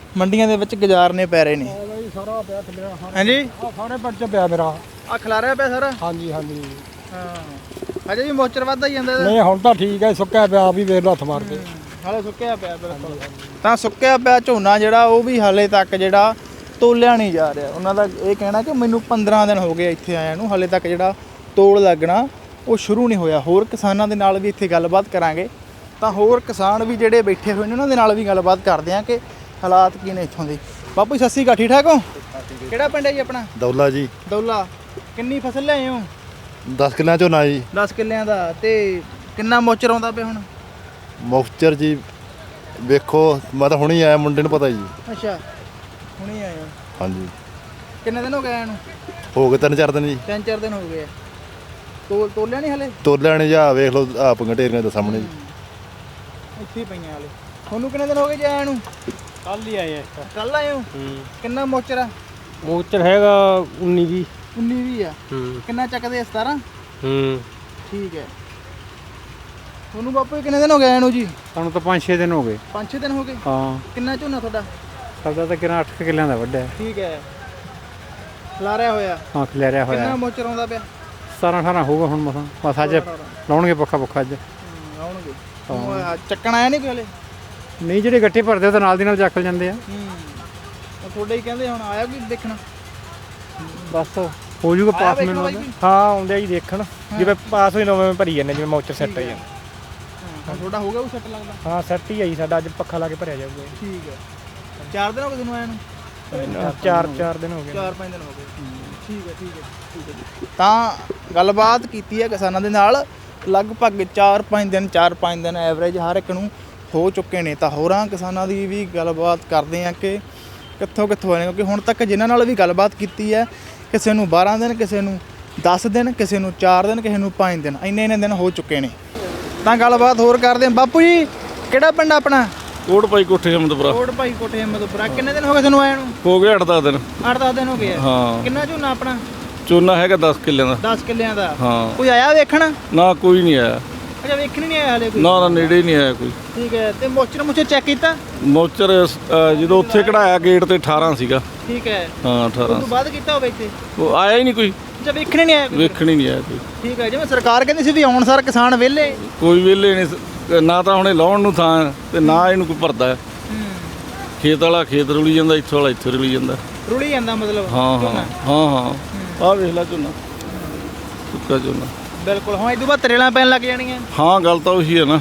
A: ਮੰਡੀਆਂ ਦੇ ਵਿੱਚ ਗੁਜ਼ਾਰਨੇ ਪੈ ਰਹੇ ਨੇ।
C: ਸਾਰਾ ਪਿਆ ਥੱਲੇ
A: ਹਾਂਜੀ
C: ਆ ਸਾਰੇ ਪਿੰਡ ਚ ਪਿਆ ਮੇਰਾ।
A: ਆ ਖਿਲਾਰਿਆ ਪਿਆ ਸਾਰਾ।
C: ਹਾਂਜੀ ਹਾਂਜੀ
A: ਹਾਂ ਅਜੇ ਵੀ ਮੋਚਰ ਵੱਧਦਾ ਹੀ ਜਾਂਦਾ ਇਹਦਾ।
C: ਨਹੀਂ ਹੁਣ ਤਾਂ ਠੀਕ ਹੈ, ਸੁੱਕਿਆ ਪਿਆ ਆਪ ਹੀ ਵੇਖ ਲਓ ਹੱਥ ਮਾਰ ਕੇ।
A: ਹਾਲੇ ਸੁੱਕਿਆ ਪਿਆ ਬਿਲਕੁਲ। ਤਾਂ ਸੁੱਕਿਆ ਪਿਆ ਝੋਨਾ ਜਿਹੜਾ ਉਹ ਵੀ ਹਾਲੇ ਤੱਕ ਜਿਹੜਾ ਤੋਲਿਆ ਨਹੀਂ ਜਾ ਰਿਹਾ। ਉਹਨਾਂ ਦਾ ਇਹ ਕਹਿਣਾ ਕਿ ਮੈਨੂੰ ਪੰਦਰਾਂ ਦਿਨ ਹੋ ਗਏ ਇੱਥੇ ਆਇਆ ਨੂੰ, ਹਾਲੇ ਤੱਕ ਜਿਹੜਾ ਤੋਲ ਲੱਗਣਾ ਉਹ ਸ਼ੁਰੂ ਨਹੀਂ ਹੋਇਆ। ਹੋਰ ਕਿਸਾਨਾਂ ਦੇ ਨਾਲ ਵੀ ਇੱਥੇ ਗੱਲਬਾਤ ਕਰਾਂਗੇ। ਤਾਂ ਹੋਰ ਕਿਸਾਨ ਵੀ ਜਿਹੜੇ ਬੈਠੇ ਹੋਏ ਨੇ ਉਹਨਾਂ ਦੇ ਨਾਲ ਵੀ ਗੱਲਬਾਤ ਕਰਦੇ ਹਾਂ ਕਿ ਹਾਲਾਤ ਕੀ ਨੇ ਇੱਥੋਂ ਦੇ। ਬਾਪੂ ਜੀ ਸਤਿ ਸ਼੍ਰੀ ਅਕਾਲ, ਠੀਕ ਠਾਕ ਹੋ? ਕਿਹੜਾ ਪਿੰਡ ਹੈ ਜੀ ਆਪਣਾ?
G: ਦੌਲਾ ਜੀ।
A: ਦੌਲਾ। ਕਿੰਨੀ ਫਸਲ ਲਿਆਏ ਹੋ?
G: ਦਸ ਕਿੱਲਿਆਂ ਝੋਨਾ ਜੀ।
A: ਦਸ ਕਿੱਲਿਆਂ ਦਾ। ਤੇ ਕਿੰਨਾ ਮੋਚਰ ਆਉਂਦਾ ਪਿਆ ਹੁਣ?
G: ਮੁਖਚਰ ਜੀ ਵੇਖੋ, ਮੈਂ ਤਾਂ ਹੁਣੀ ਆਇਆ, ਮੁੰਡੇ ਨੂੰ ਪਤਾ ਜੀ।
A: ਅੱਛਾ ਹੁਣੇ ਆਏ ਹੋ?
G: ਹਾਂਜੀ।
A: ਕਿੰਨੇ ਦਿਨ ਹੋ ਗਏ ਆਏ ਨੂੰ?
G: ਹੋ ਗਏ ਤਿੰਨ ਚਾਰ ਦਿਨ ਜੀ।
A: ਤਿੰਨ ਚਾਰ ਦਿਨ ਹੋ ਗਏ ਆ। ਤੋਲ ਤੋਲਿਆ ਨਹੀਂ ਹਲੇ?
G: ਤੋਲਿਆ ਨਹੀਂ ਜਾ, ਵੇਖ ਲਓ ਆ ਪੰਗਟੇਰੀਆਂ ਦੇ ਸਾਹਮਣੇ ਜੀ।
A: ਇੱਥੇ ਹੀ ਪਈਆਂ ਹਲੇ। ਤੁਹਾਨੂੰ ਕਿੰਨੇ ਦਿਨ ਹੋ ਗਏ ਜੀ ਆਇਆ ਨੂੰ?
C: ਕੱਲ ਹੀ ਆਏ ਆ।
A: ਕੱਲ ਆਏ ਹੋ? ਕਿੰਨਾ ਮੋਚਰ ਆ?
C: ਮੋਚਰ ਹੈਗਾ ਉੱਨੀ ਵੀਹ।
A: ਉੱਨੀ ਵੀਹ ਆ। ਕਿੰਨਾ ਚੱਕਦੇ ਆ? ਸਤਾਰਾਂ?
C: ਹੂੰ
A: ਠੀਕ ਹੈ। ਤੁਹਾਨੂੰ ਬਾਪੂ ਜੀ ਕਿੰਨੇ ਦਿਨ ਹੋ ਗਏ ਆਇਆ ਨੂੰ ਜੀ?
C: ਸਾਨੂੰ ਤਾਂ ਪੰਜ ਛੇ ਦਿਨ ਹੋ ਗਏ।
A: ਪੰਜ ਛੇ ਦਿਨ ਹੋ ਗਏ?
C: ਹਾਂ।
A: ਕਿੰਨਾ ਝੋਨਾ ਤੁਹਾਡਾ?
C: ਸਾਡਾ ਤਾਂ ਕਿੰਨਾ ਅੱਠ ਕਿੱਲਿਆਂ ਦਾ ਵੱਡਾ ਹੈ।
A: ਠੀਕ ਹੈ। ਖਲਾਰਿਆ ਹੋਇਆ?
C: ਹਾਂ ਖਿਲਾਰਿਆ ਹੋਇਆ।
A: ਕਿੰਨਾ ਮੋਚਰ ਆਉਂਦਾ ਪਿਆ?
C: ਸਤਾਰਾਂ ਅਠਾਰਾਂ ਹੋਊਗਾ ਹੁਣ ਮਸਾਂ। ਬਸ ਅੱਜ ਲਾਉਣਗੇ ਪੱਖਾ ਪੱਖਾ ਅੱਜ।
A: ਆਉਣਗੇ। ਚੱਕਣ ਆਇਆ ਨਹੀਂ ਕੋਈ ਹਲੇ?
C: ਨਹੀਂ, ਜਿਹੜੇ ਗੱਠੇ ਭਰਦੇ ਉਹ ਤਾਂ ਨਾਲ ਦੀ ਨਾਲ ਚੱਕ ਜਾਂਦੇ ਆ।
A: ਹੂੰ ਤੁਹਾਡੇ ਹੀ ਕਹਿੰਦੇ ਹੁਣ ਆਇਆ ਕੋਈ ਦੇਖਣਾ?
C: ਬਸ ਹੋ ਜੂਗਾ ਪਾਸ ਮੈਨੂੰ। ਹਾਂ ਆਉਂਦੇ ਆ ਜੀ ਦੇਖਣ, ਜਿਵੇਂ ਪਾਸ ਹੋਈ ਨਵੇਂ ਭਰੀ ਜਾਂਦੇ, ਜਿਵੇਂ ਮੋਚਰ ਸੈੱਟ ਆ ਜਾਂਦਾ।
A: ਹਾਂ ਤੁਹਾਡਾ ਹੋ ਗਿਆ ਉਹ ਸੈੱਟ ਲੱਗਦਾ?
C: ਹਾਂ ਸੈੱਟ ਹੀ ਆਈ ਸਾਡਾ, ਅੱਜ ਪੱਖਾ ਲਾ ਕੇ ਭਰਿਆ ਜਾਊਗਾ।
A: ਠੀਕ ਹੈ। ਚਾਰ ਦਿਨ ਹੋ ਗਏ ਤੁਹਾਨੂੰ ਆਇਆ ਨੂੰ?
C: ਚਾਰ ਚਾਰ ਦਿਨ ਹੋ ਗਏ।
A: ਚਾਰ ਪੰਜ ਦਿਨ ਹੋ ਗਏ। ਠੀਕ ਹੈ ਠੀਕ ਹੈ ਠੀਕ ਹੈ। ਤਾਂ ਗੱਲਬਾਤ ਕੀਤੀ ਹੈ ਕਿਸਾਨਾਂ ਦੇ ਨਾਲ। ਲਗਭਗ ਚਾਰ ਪੰਜ ਦਿਨ ਚਾਰ ਪੰਜ ਦਿਨ ਐਵਰੇਜ ਹਰ ਇੱਕ ਨੂੰ ਹੋ ਚੁੱਕੇ ਨੇ। ਤਾਂ ਹੋਰਾਂ ਕਿਸਾਨਾਂ ਦੀ ਵੀ ਗੱਲਬਾਤ ਕਰਦੇ ਹਾਂ ਕਿ ਕਿੱਥੋਂ ਕਿੱਥੋਂ ਆਏ ਨੇ, ਕਿਉਂਕਿ ਹੁਣ ਤੱਕ ਜਿਨ੍ਹਾਂ ਨਾਲ ਵੀ ਗੱਲਬਾਤ ਕੀਤੀ ਹੈ, ਕਿਸੇ ਨੂੰ ਬਾਰਾਂ ਦਿਨ, ਕਿਸੇ ਨੂੰ ਦਸ ਦਿਨ, ਕਿਸੇ ਨੂੰ ਚਾਰ ਦਿਨ, ਕਿਸੇ ਨੂੰ ਪੰਜ ਦਿਨ, ਇੰਨੇ ਇੰਨੇ ਦਿਨ ਹੋ ਚੁੱਕੇ ਨੇ। ਤਾਂ ਗੱਲਬਾਤ ਹੋਰ ਕਰਦੇ ਹਾਂ। ਬਾਪੂ ਜੀ ਕਿਹੜਾ ਪਿੰਡ ਆਪਣਾ?
B: ਕੋਟ ਭਾਈ ਕੋਠੇ ਹਿੰਮਤਪੁਰਾ।
A: ਕੋਟ ਭਾਈ ਕੋਠੇ ਹਿੰਮਤਪੁਰਾ। ਕਿੰਨੇ ਦਿਨ ਹੋ ਗਏ ਤੁਹਾਨੂੰ ਆਇਆ ਨੂੰ?
B: ਹੋ ਗਏ ਅੱਠ ਦਸ ਦਿਨ।
A: ਅੱਠ ਦਸ ਦਿਨ ਹੋ ਗਏ ਆ।
B: ਹਾਂ।
A: ਕਿੰਨਾ ਝੋਨਾ ਆਪਣਾ?
B: ਝੋਨਾ ਹੈਗਾ ਦਸ ਕਿੱਲਿਆਂ ਦਾ।
A: ਦਸ ਕਿੱਲਿਆਂ ਦਾ।
B: ਹਾਂ।
A: ਕੋਈ ਆਇਆ ਵੇਖਣ?
B: ਨਾ ਕੋਈ ਨਹੀਂ ਆਇਆ।
A: ਅੱਛਾ ਵੇਖਣ ਨਹੀਂ ਆਇਆ ਹਲੇ ਕੋਈ?
B: ਨਾ ਨਾ ਨੇੜੇ ਨਹੀਂ ਆਇਆ ਕੋਈ।
A: ਠੀਕ ਹੈ। ਤੇ ਮੋਚਰ ਮੁਚਰ ਚੈੱਕ ਕੀਤਾ?
B: ਮੋਚਰ ਅ, ਜਦੋਂ ਉੱਥੇ ਕਢਾਇਆ ਗੇਟ ਤੇ ਅਠਾਰਾਂ ਸੀਗਾ।
A: ਠੀਕ ਹੈ।
B: ਹਾਂ ਅਠਾਰਾਂ।
A: ਉਸ ਤੋਂ ਬਾਅਦ ਕੀਤਾ ਹੋਵੇ ਇੱਥੇ?
B: ਉਹ ਆਇਆ ਹੀ ਨਹੀਂ ਕੋਈ।
A: ਅੱਛਾ ਵੇਖਣ ਨਹੀਂ ਆਇਆ ਕੋਈ?
B: ਵੇਖਣ ਹੀ ਨਹੀਂ ਆਇਆ ਕੋਈ।
A: ਠੀਕ ਹੈ। ਜਿਵੇਂ ਸਰਕਾਰ ਕਹਿੰਦੀ ਸੀ ਵੀ ਆਉਣ ਸਾਰ ਕਿਸਾਨ ਵਿਹਲੇ।
B: ਕੋਈ ਵਿਹਲੇ ਨਹੀਂ, ਨਾ ਤਾਂ ਹੁਣੇ ਲਾਉਣ ਨੂੰ ਥਾਂ ਤੇ ਨਾ ਇਹਨੂੰ ਕੋਈ ਭਰਦਾ। ਖੇਤ ਵਾਲਾ ਖੇਤ ਰੁਲੀ ਜਾਂਦਾ, ਇੱਥੋਂ ਵਾਲਾ ਇੱਥੇ ਰੁਲੀ ਜਾਂਦਾ।
A: ਰੁਲੀ ਜਾਂਦਾ ਮਤਲਬ?
B: ਹਾਂ ਹਾਂ ਹਾਂ ਹਾਂ। ਆਹ ਵੇਖ ਲੈ ਝੋਨਾ, ਸੁੱਕਾ ਝੋਨਾ।
A: ਬਿਲਕੁਲ। ਹਾਂ ਇਹ ਤੋਂ ਬਾਅਦ ਤਰੇਲਾਂ ਪੈਣ ਲੱਗ ਜਾਣੀਆਂ।
B: ਹਾਂ ਗੱਲ ਤਾਂ ਉਹੀ ਹੈ ਨਾ,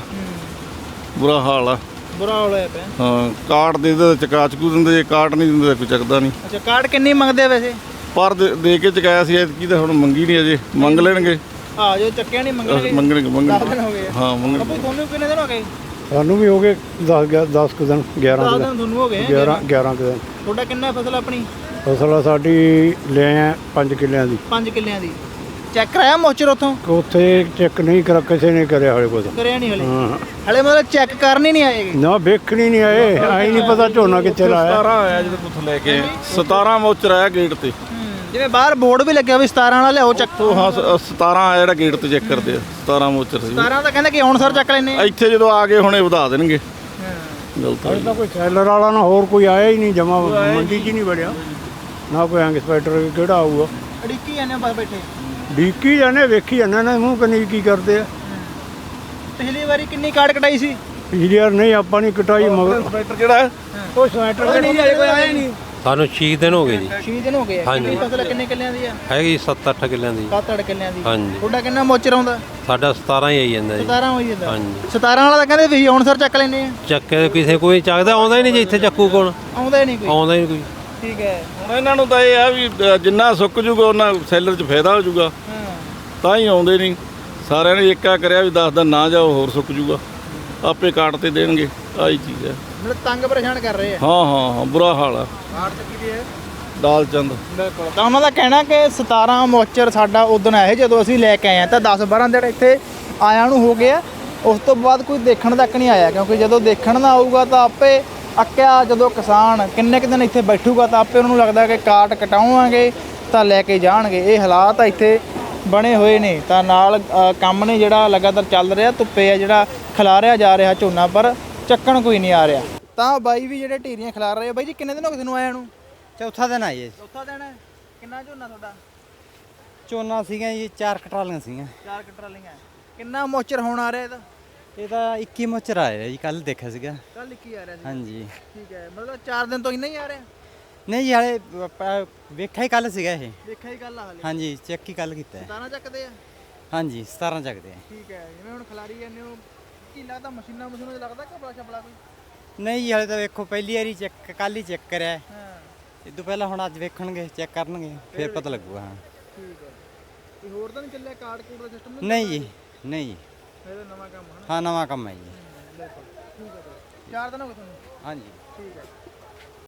B: ਬੁਰਾ ਹਾਲ ਆ।
A: ਬੁਰਾ ਹਾਲ ਹੋਇਆ ਪਿਆ।
B: ਹਾਂ ਕਾਟ ਦੇ ਦੇ ਚਕਾ ਚਕੂ ਦਿੰਦੇ, ਜੇ ਕਾਟ ਨਹੀਂ ਦਿੰਦੇ ਤਾਂ ਕੋਈ ਚੱਕਦਾ ਨਹੀਂ।
A: ਅੱਛਾ ਕਾਰਡ ਕਿੰਨੀ ਮੰਗਦੇ ਆ ਵੈਸੇ?
B: ਪਰ ਦੇ ਦੇ ਕੇ ਚਕਾਇਆ ਸੀ ਐਤਕੀ ਤਾਂ ਹੁਣ ਮੰਗੀ ਨਹੀਂ, ਅਜੇ ਮੰਗ ਲੈਣਗੇ।
A: ਆ ਜੋ ਚੱਕਿਆ ਨਹੀਂ ਮੰਗਣਗੇ।
B: ਮੰਗਣਗੇ ਮੰਗਣਗੇ।
A: ਦਸ ਦਿਨ ਹੋ ਗਏ।
B: ਹਾਂ ਮੰਗਣਗੇ।
A: ਬਾਪੂ ਤੁਹਾਨੂੰ ਕਿੰਨੇ ਦਿਨ ਹੋ ਗਏ?
C: ਸਾਨੂੰ ਵੀ ਹੋ ਗਏ ਦਸ ਦਸ ਕੁ ਦਿਨ, ਗਿਆਰਾਂ
A: ਦਸ
C: ਕੁ
A: ਦਿਨ
C: ਦਿਨ।
A: ਤੁਹਾਨੂੰ ਹੋ ਗਏ?
C: ਗਿਆਰਾਂ ਗਿਆਰਾਂ ਕੁ ਦਿਨ।
A: ਤੁਹਾਡਾ ਕਿੰਨਾ ਫਸਲ ਆਪਣੀ?
C: ਫਸਲ ਸਾਡੀ ਲੈ ਆ ਪੰਜ ਕਿੱਲਿਆਂ ਦੀ।
A: ਪੰਜ ਕਿੱਲਿਆਂ ਦੀ। ਚੈੱਕ ਕਰਾਇਆ ਮੋਚਰ ਉੱਥੋਂ?
C: ਉੱਥੇ ਚੈੱਕ ਨਹੀਂ ਕਰਾ, ਕਿਸੇ ਨੇ ਕਰਿਆ ਹਲੇ ਕੁਝ।
A: ਕਰਿਆ ਨਹੀਂ ਹਲੇ?
C: ਹਾਂ।
A: ਹਲੇ ਮਤਲਬ ਚੈੱਕ ਕਰਨ ਹੀ ਨਹੀਂ ਆਏਗੇ?
C: ਨਾ ਵੇਖਣੀ ਨਹੀਂ ਆਏ, ਆਈ ਨਹੀਂ ਪਤਾ ਝੋਨਾ ਕਿੱਥੇ ਲਾਇਆ।
B: ਸਤਾਰਾਂ ਆਇਆ ਜਦੋਂ ਕੁੱਥੋਂ ਲੈ ਕੇ ਸਤਾਰਾਂ ਮੋਚਰ ਆਇਆ ਗੇਟ ਤੇ।
A: ਜਿਵੇਂ ਬਾਹਰ ਬੋਰਡ ਵੀ ਲੱਗਿਆ ਵੀ ਸਤਾਰਾਂ ਵਾਲਾ ਲਿਆਓ ਚੱਕ।
B: ਉਹ ਹਾਂ ਸ- ਸਤਾਰਾਂ ਆਇਆ ਜਿਹੜਾ ਗੇਟ ਤੇ ਚੈੱਕ ਕਰਦੇ ਆ, ਸਤਾਰਾਂ ਮੋਚਰ ਸੀ।
A: ਸਤਾਰਾਂ ਤਾਂ ਕਹਿੰਦੇ ਕਿ ਹੁਣ ਸਰ ਚੱਕ ਲੈਨੇ ਆ।
B: ਇੱਥੇ ਜਦੋਂ ਆ ਗਏ ਹੁਣੇ ਵਧਾ ਦੇਣਗੇ। ਗਲਤ
C: ਹਲੇ ਤਾਂ ਕੋਈ ਸੈਲਰ ਵਾਲਾ ਨਾ ਹੋਰ ਕੋਈ ਆਇਆ ਹੀ ਨਹੀਂ, ਜਮਾ ਮੰਡੀ 'ਚ ਹੀ ਨਹੀਂ ਵੜਿਆ ਨਾ ਕੋਈ। ਇੰਸਪੈਕਟਰ ਕਿਹੜਾ ਆਊਗਾ?
A: ਅੜਿੱਕੀ ਜਾਂਦੇ ਬਸ ਬੈਠੇ।
C: ਡੀਕੀ ਜਾਣੇ, ਵੇਖੀ ਜਾਂਦੇ ਨੇ ਮੂੰਹ ਕਨੀ ਕੀ ਕਰਦੇ ਆ।
A: ਪਿਛਲੀ ਵਾਰੀ ਕਿੰਨੀ ਕਾਰਡ ਕਟਾਈ ਸੀ?
C: ਪਿਛਲੀ ਵਾਰ ਨਹੀਂ ਆਪਾਂ ਨਹੀਂ ਕਟਾਈ, ਮਗਰ
B: ਇੰਸਪੈਕਟਰ ਜਿਹੜਾ ਹੈ
A: ਉਹ ਸਵੈਟਰ ਨਹੀਂ ਆਇਆ, ਕੋਈ ਆਇਆ ਨਹੀਂ।
D: ਸਾਨੂੰ ਛੇ ਦਿਨ ਹੋ ਗਏ ਜੀ।
A: ਛੇ ਦਿਨ ਹੋ ਗਏ ਆ।
D: ਹਾਂਜੀ।
A: ਕਿੰਨੀ ਫਸਲ ਕਿੰਨੇ ਕਿੱਲਿਆਂ ਦੀ ਆ?
D: ਹੈਗੀ ਸੱਤ ਅੱਠ ਕਿੱਲਿਆਂ ਦੀ।
A: ਸੱਤ ਅੱਠ ਕਿੱਲਿਆਂ ਦੀ।
D: ਹਾਂਜੀ।
A: ਤੁਹਾਡਾ ਕਿੰਨਾ ਮੋਚਰ ਆਉਂਦਾ?
D: ਸਾਡਾ ਸਤਾਰਾਂ ਹੀ ਆਈ ਜਾਂਦਾ ਜੀ।
A: ਸਤਾਰਾਂ ਹੋਈ ਜਾਂਦਾ।
D: ਹਾਂਜੀ।
A: ਸਤਾਰਾਂ ਵਾਲਾ ਤਾਂ ਕਹਿੰਦੇ ਵੀ ਹੁਣ ਸਰ ਚੱਕ ਲੈਨੇ ਆ।
D: ਚੱਕੇ ਕਿਸੇ ਕੋਈ ਚੱਕਦਾ ਆਉਂਦਾ ਹੀ ਨਹੀਂ ਜੀ, ਇੱਥੇ ਚੱਕੂ ਕੋਲ
A: ਆਉਂਦਾ ਹੀ ਨਹੀਂ ਕੋਈ।
D: ਆਉਂਦਾ ਹੀ ਨਹੀਂ ਕੋਈ।
A: ਠੀਕ ਹੈ।
B: ਹੁਣ ਇਹਨਾਂ ਨੂੰ ਤਾਂ ਇਹ ਆ ਵੀ ਅ, ਜਿੰਨਾ ਸੁੱਕ ਜੂਗਾ ਉਹਨਾਂ ਸੈਲਰ 'ਚ ਫਾਇਦਾ ਹੋ ਜੂਗਾ, ਤਾਂ ਹੀ ਆਉਂਦੇ ਨਹੀਂ। ਸਾਰਿਆਂ ਨੇ ਏਕਾ ਕਰਿਆ ਵੀ ਦਸ ਦਿਨ ਨਾ ਜਾਓ, ਹੋਰ ਸੁੱਕ ਜੂਗਾ, ਆਪੇ ਕਾਟ ਤੇ ਦੇਣਗੇ। ਆਹੀ ਚੀਜ਼ ਹੈ।
A: ਮਤਲਬ ਤੰਗ ਪਰੇਸ਼ਾਨ ਕਰ ਰਹੇ ਆ।
B: ਹਾਂ ਹਾਂ ਹਾਂ ਬੁਰਾ ਹਾਲ ਆ।
A: ਕਾਰਡ ਚੱਕੀ ਦੀ ਹੈ
B: ਦਾਲ ਚੰਦ।
A: ਬਿਲਕੁਲ। ਤਾਂ ਉਹਨਾਂ ਦਾ ਕਹਿਣਾ ਕਿ ਸਤਾਰਾਂ ਮੋਚਰ ਸਾਡਾ ਉਦੋਂ ਆਏ ਜਦੋਂ ਅਸੀਂ ਲੈ ਕੇ ਆਏ ਆ, ਤਾਂ ਦਸ ਬਾਰਾਂ ਦਿਨ ਇੱਥੇ ਆਇਆਂ ਨੂੰ ਹੋ ਗਿਆ। ਉਸ ਤੋਂ ਬਾਅਦ ਕੋਈ ਦੇਖਣ ਤੱਕ ਨਹੀਂ ਆਇਆ, ਕਿਉਂਕਿ ਜਦੋਂ ਦੇਖਣ ਨਾ ਆਊਗਾ ਤਾਂ ਆਪੇ ਅੱਕਿਆ, ਜਦੋਂ ਕਿਸਾਨ ਕਿੰਨੇ ਕੁ ਦਿਨ ਇੱਥੇ ਬੈਠੂਗਾ ਤਾਂ ਆਪੇ ਉਹਨੂੰ ਲੱਗਦਾ ਕਿ ਕਾਟ ਕਟਾਵਾਂਗੇ ਤਾਂ ਲੈ ਕੇ ਜਾਣਗੇ। ਇਹ ਹਾਲਾਤ ਇੱਥੇ ਬਣੇ ਹੋਏ ਨੇ। ਤਾਂ ਨਾਲ ਅ, ਕੰਮ ਨੇ ਜਿਹੜਾ ਲਗਾਤਾਰ ਚੱਲ ਰਿਹਾ, ਧੁੱਪੇ ਆ ਜਿਹੜਾ ਖਿਲਾਰਿਆ ਜਾ ਰਿਹਾ ਝੋਨਾ, ਪਰ ਚੱਕਣ ਕੋਈ ਨਹੀਂ ਆ ਰਿਹਾ। ਤਾਂ ਬਾਈ ਵੀ ਜਿਹੜੇ ਢੇਰੀਆਂ ਖਿਲਾਰ ਰਹੇ ਆ। ਬਾਈ ਜੀ ਕਿੰਨੇ ਦਿਨ ਹੋ ਗਏ ਤੁਹਾਨੂੰ ਆਇਆ ਨੂੰ?
L: ਚੌਥਾ ਦਿਨ ਆਏ
A: ਚੌਥਾ ਦਿਨ ਹੈ। ਕਿੰਨਾ ਝੋਨਾ ਤੁਹਾਡਾ?
L: ਝੋਨਾ ਸੀਗਾ ਜੀ ਚਾਰ ਕਟਰਾਲੀਆਂ ਸੀਗੀਆਂ।
A: ਚਾਰ ਕਟਰਾਲੀਆਂ। ਕਿੰਨਾ ਮੋਚਰ ਹੁਣ ਆ ਰਿਹਾ ਇਹਦਾ?
L: ਇਹਦਾ ਇੱਕੀ ਮੋਚਰ ਆਇਆ ਜੀ, ਕੱਲ ਦੇਖਿਆ ਸੀਗਾ।
A: ਕੱਲ ਇੱਕੀ ਆ ਰਿਹਾ ਸੀ?
L: ਹਾਂਜੀ।
A: ਠੀਕ ਹੈ, ਮਤਲਬ ਚਾਰ ਦਿਨ ਤੋਂ ਇੰਨਾ ਹੀ ਆ ਰਿਹਾ?
L: ਨਹੀਂ ਜੀ ਹਾਲੇ ਵੇਖਿਆ ਹੀ ਕੱਲ ਸੀਗਾ ਇਹ।
A: ਵੇਖਿਆ ਹੀ ਕੱਲ ਹਾਲੇ?
L: ਹਾਂਜੀ, ਚੈੱਕ ਹੀ ਕੱਲ ਕੀਤਾ।
A: ਸਤਾਰਾਂ ਚੱਕਦੇ ਆ?
L: ਹਾਂਜੀ ਸਤਾਰਾਂ ਚੱਕਦੇ ਆ।
A: ਠੀਕ ਹੈ, ਜਿਵੇਂ ਹੁਣ ਖਿਲਾਰੀ ਜਾਂਦੇ ਹੋ ਕੀ ਲੱਗਦਾ ਮਸ਼ੀਨਾਂ ਮਸ਼ੀਨਾਂ 'ਚ ਲੱਗਦਾ ਕਿ ਬੜਾ ਛਪਲਾ ਕੋਈ?
L: ਨਹੀਂ ਜੀ ਹਾਲੇ ਤਾਂ ਵੇਖੋ ਪਹਿਲੀ ਵਾਰੀ ਚੈੱਕ ਕੱਲ ਹੀ ਚੈੱਕ ਕਰਿਆ।
A: ਹਾਂ।
L: ਇਹ ਤੋਂ ਪਹਿਲਾਂ ਹੁਣ ਅੱਜ ਵੇਖਣਗੇ, ਚੈੱਕ ਕਰਨਗੇ, ਫਿਰ ਪਤਾ ਲੱਗੂਗਾ। ਹਾਂ
A: ਠੀਕ ਹੈ। ਤੇ ਹੋਰ ਤਾਂ ਨਹੀਂ ਚੱਲਿਆ ਕਾਰਡ ਕੂਡ ਦਾ ਸਿਸਟਮ?
L: ਨਹੀਂ ਜੀ, ਨਹੀਂ ਜੀ।
A: ਇਹਦਾ ਨਵਾਂ ਕੰਮ ਹੈ ਨਾ?
L: ਹਾਂ ਨਵਾਂ ਕੰਮ ਹੈ ਜੀ।
A: ਬਿਲਕੁਲ ਠੀਕ ਹੈ। ਚਾਰ ਦਿਨ ਹੋ ਗਏ ਤੁਹਾਨੂੰ?
L: ਹਾਂਜੀ।
A: ਠੀਕ ਹੈ।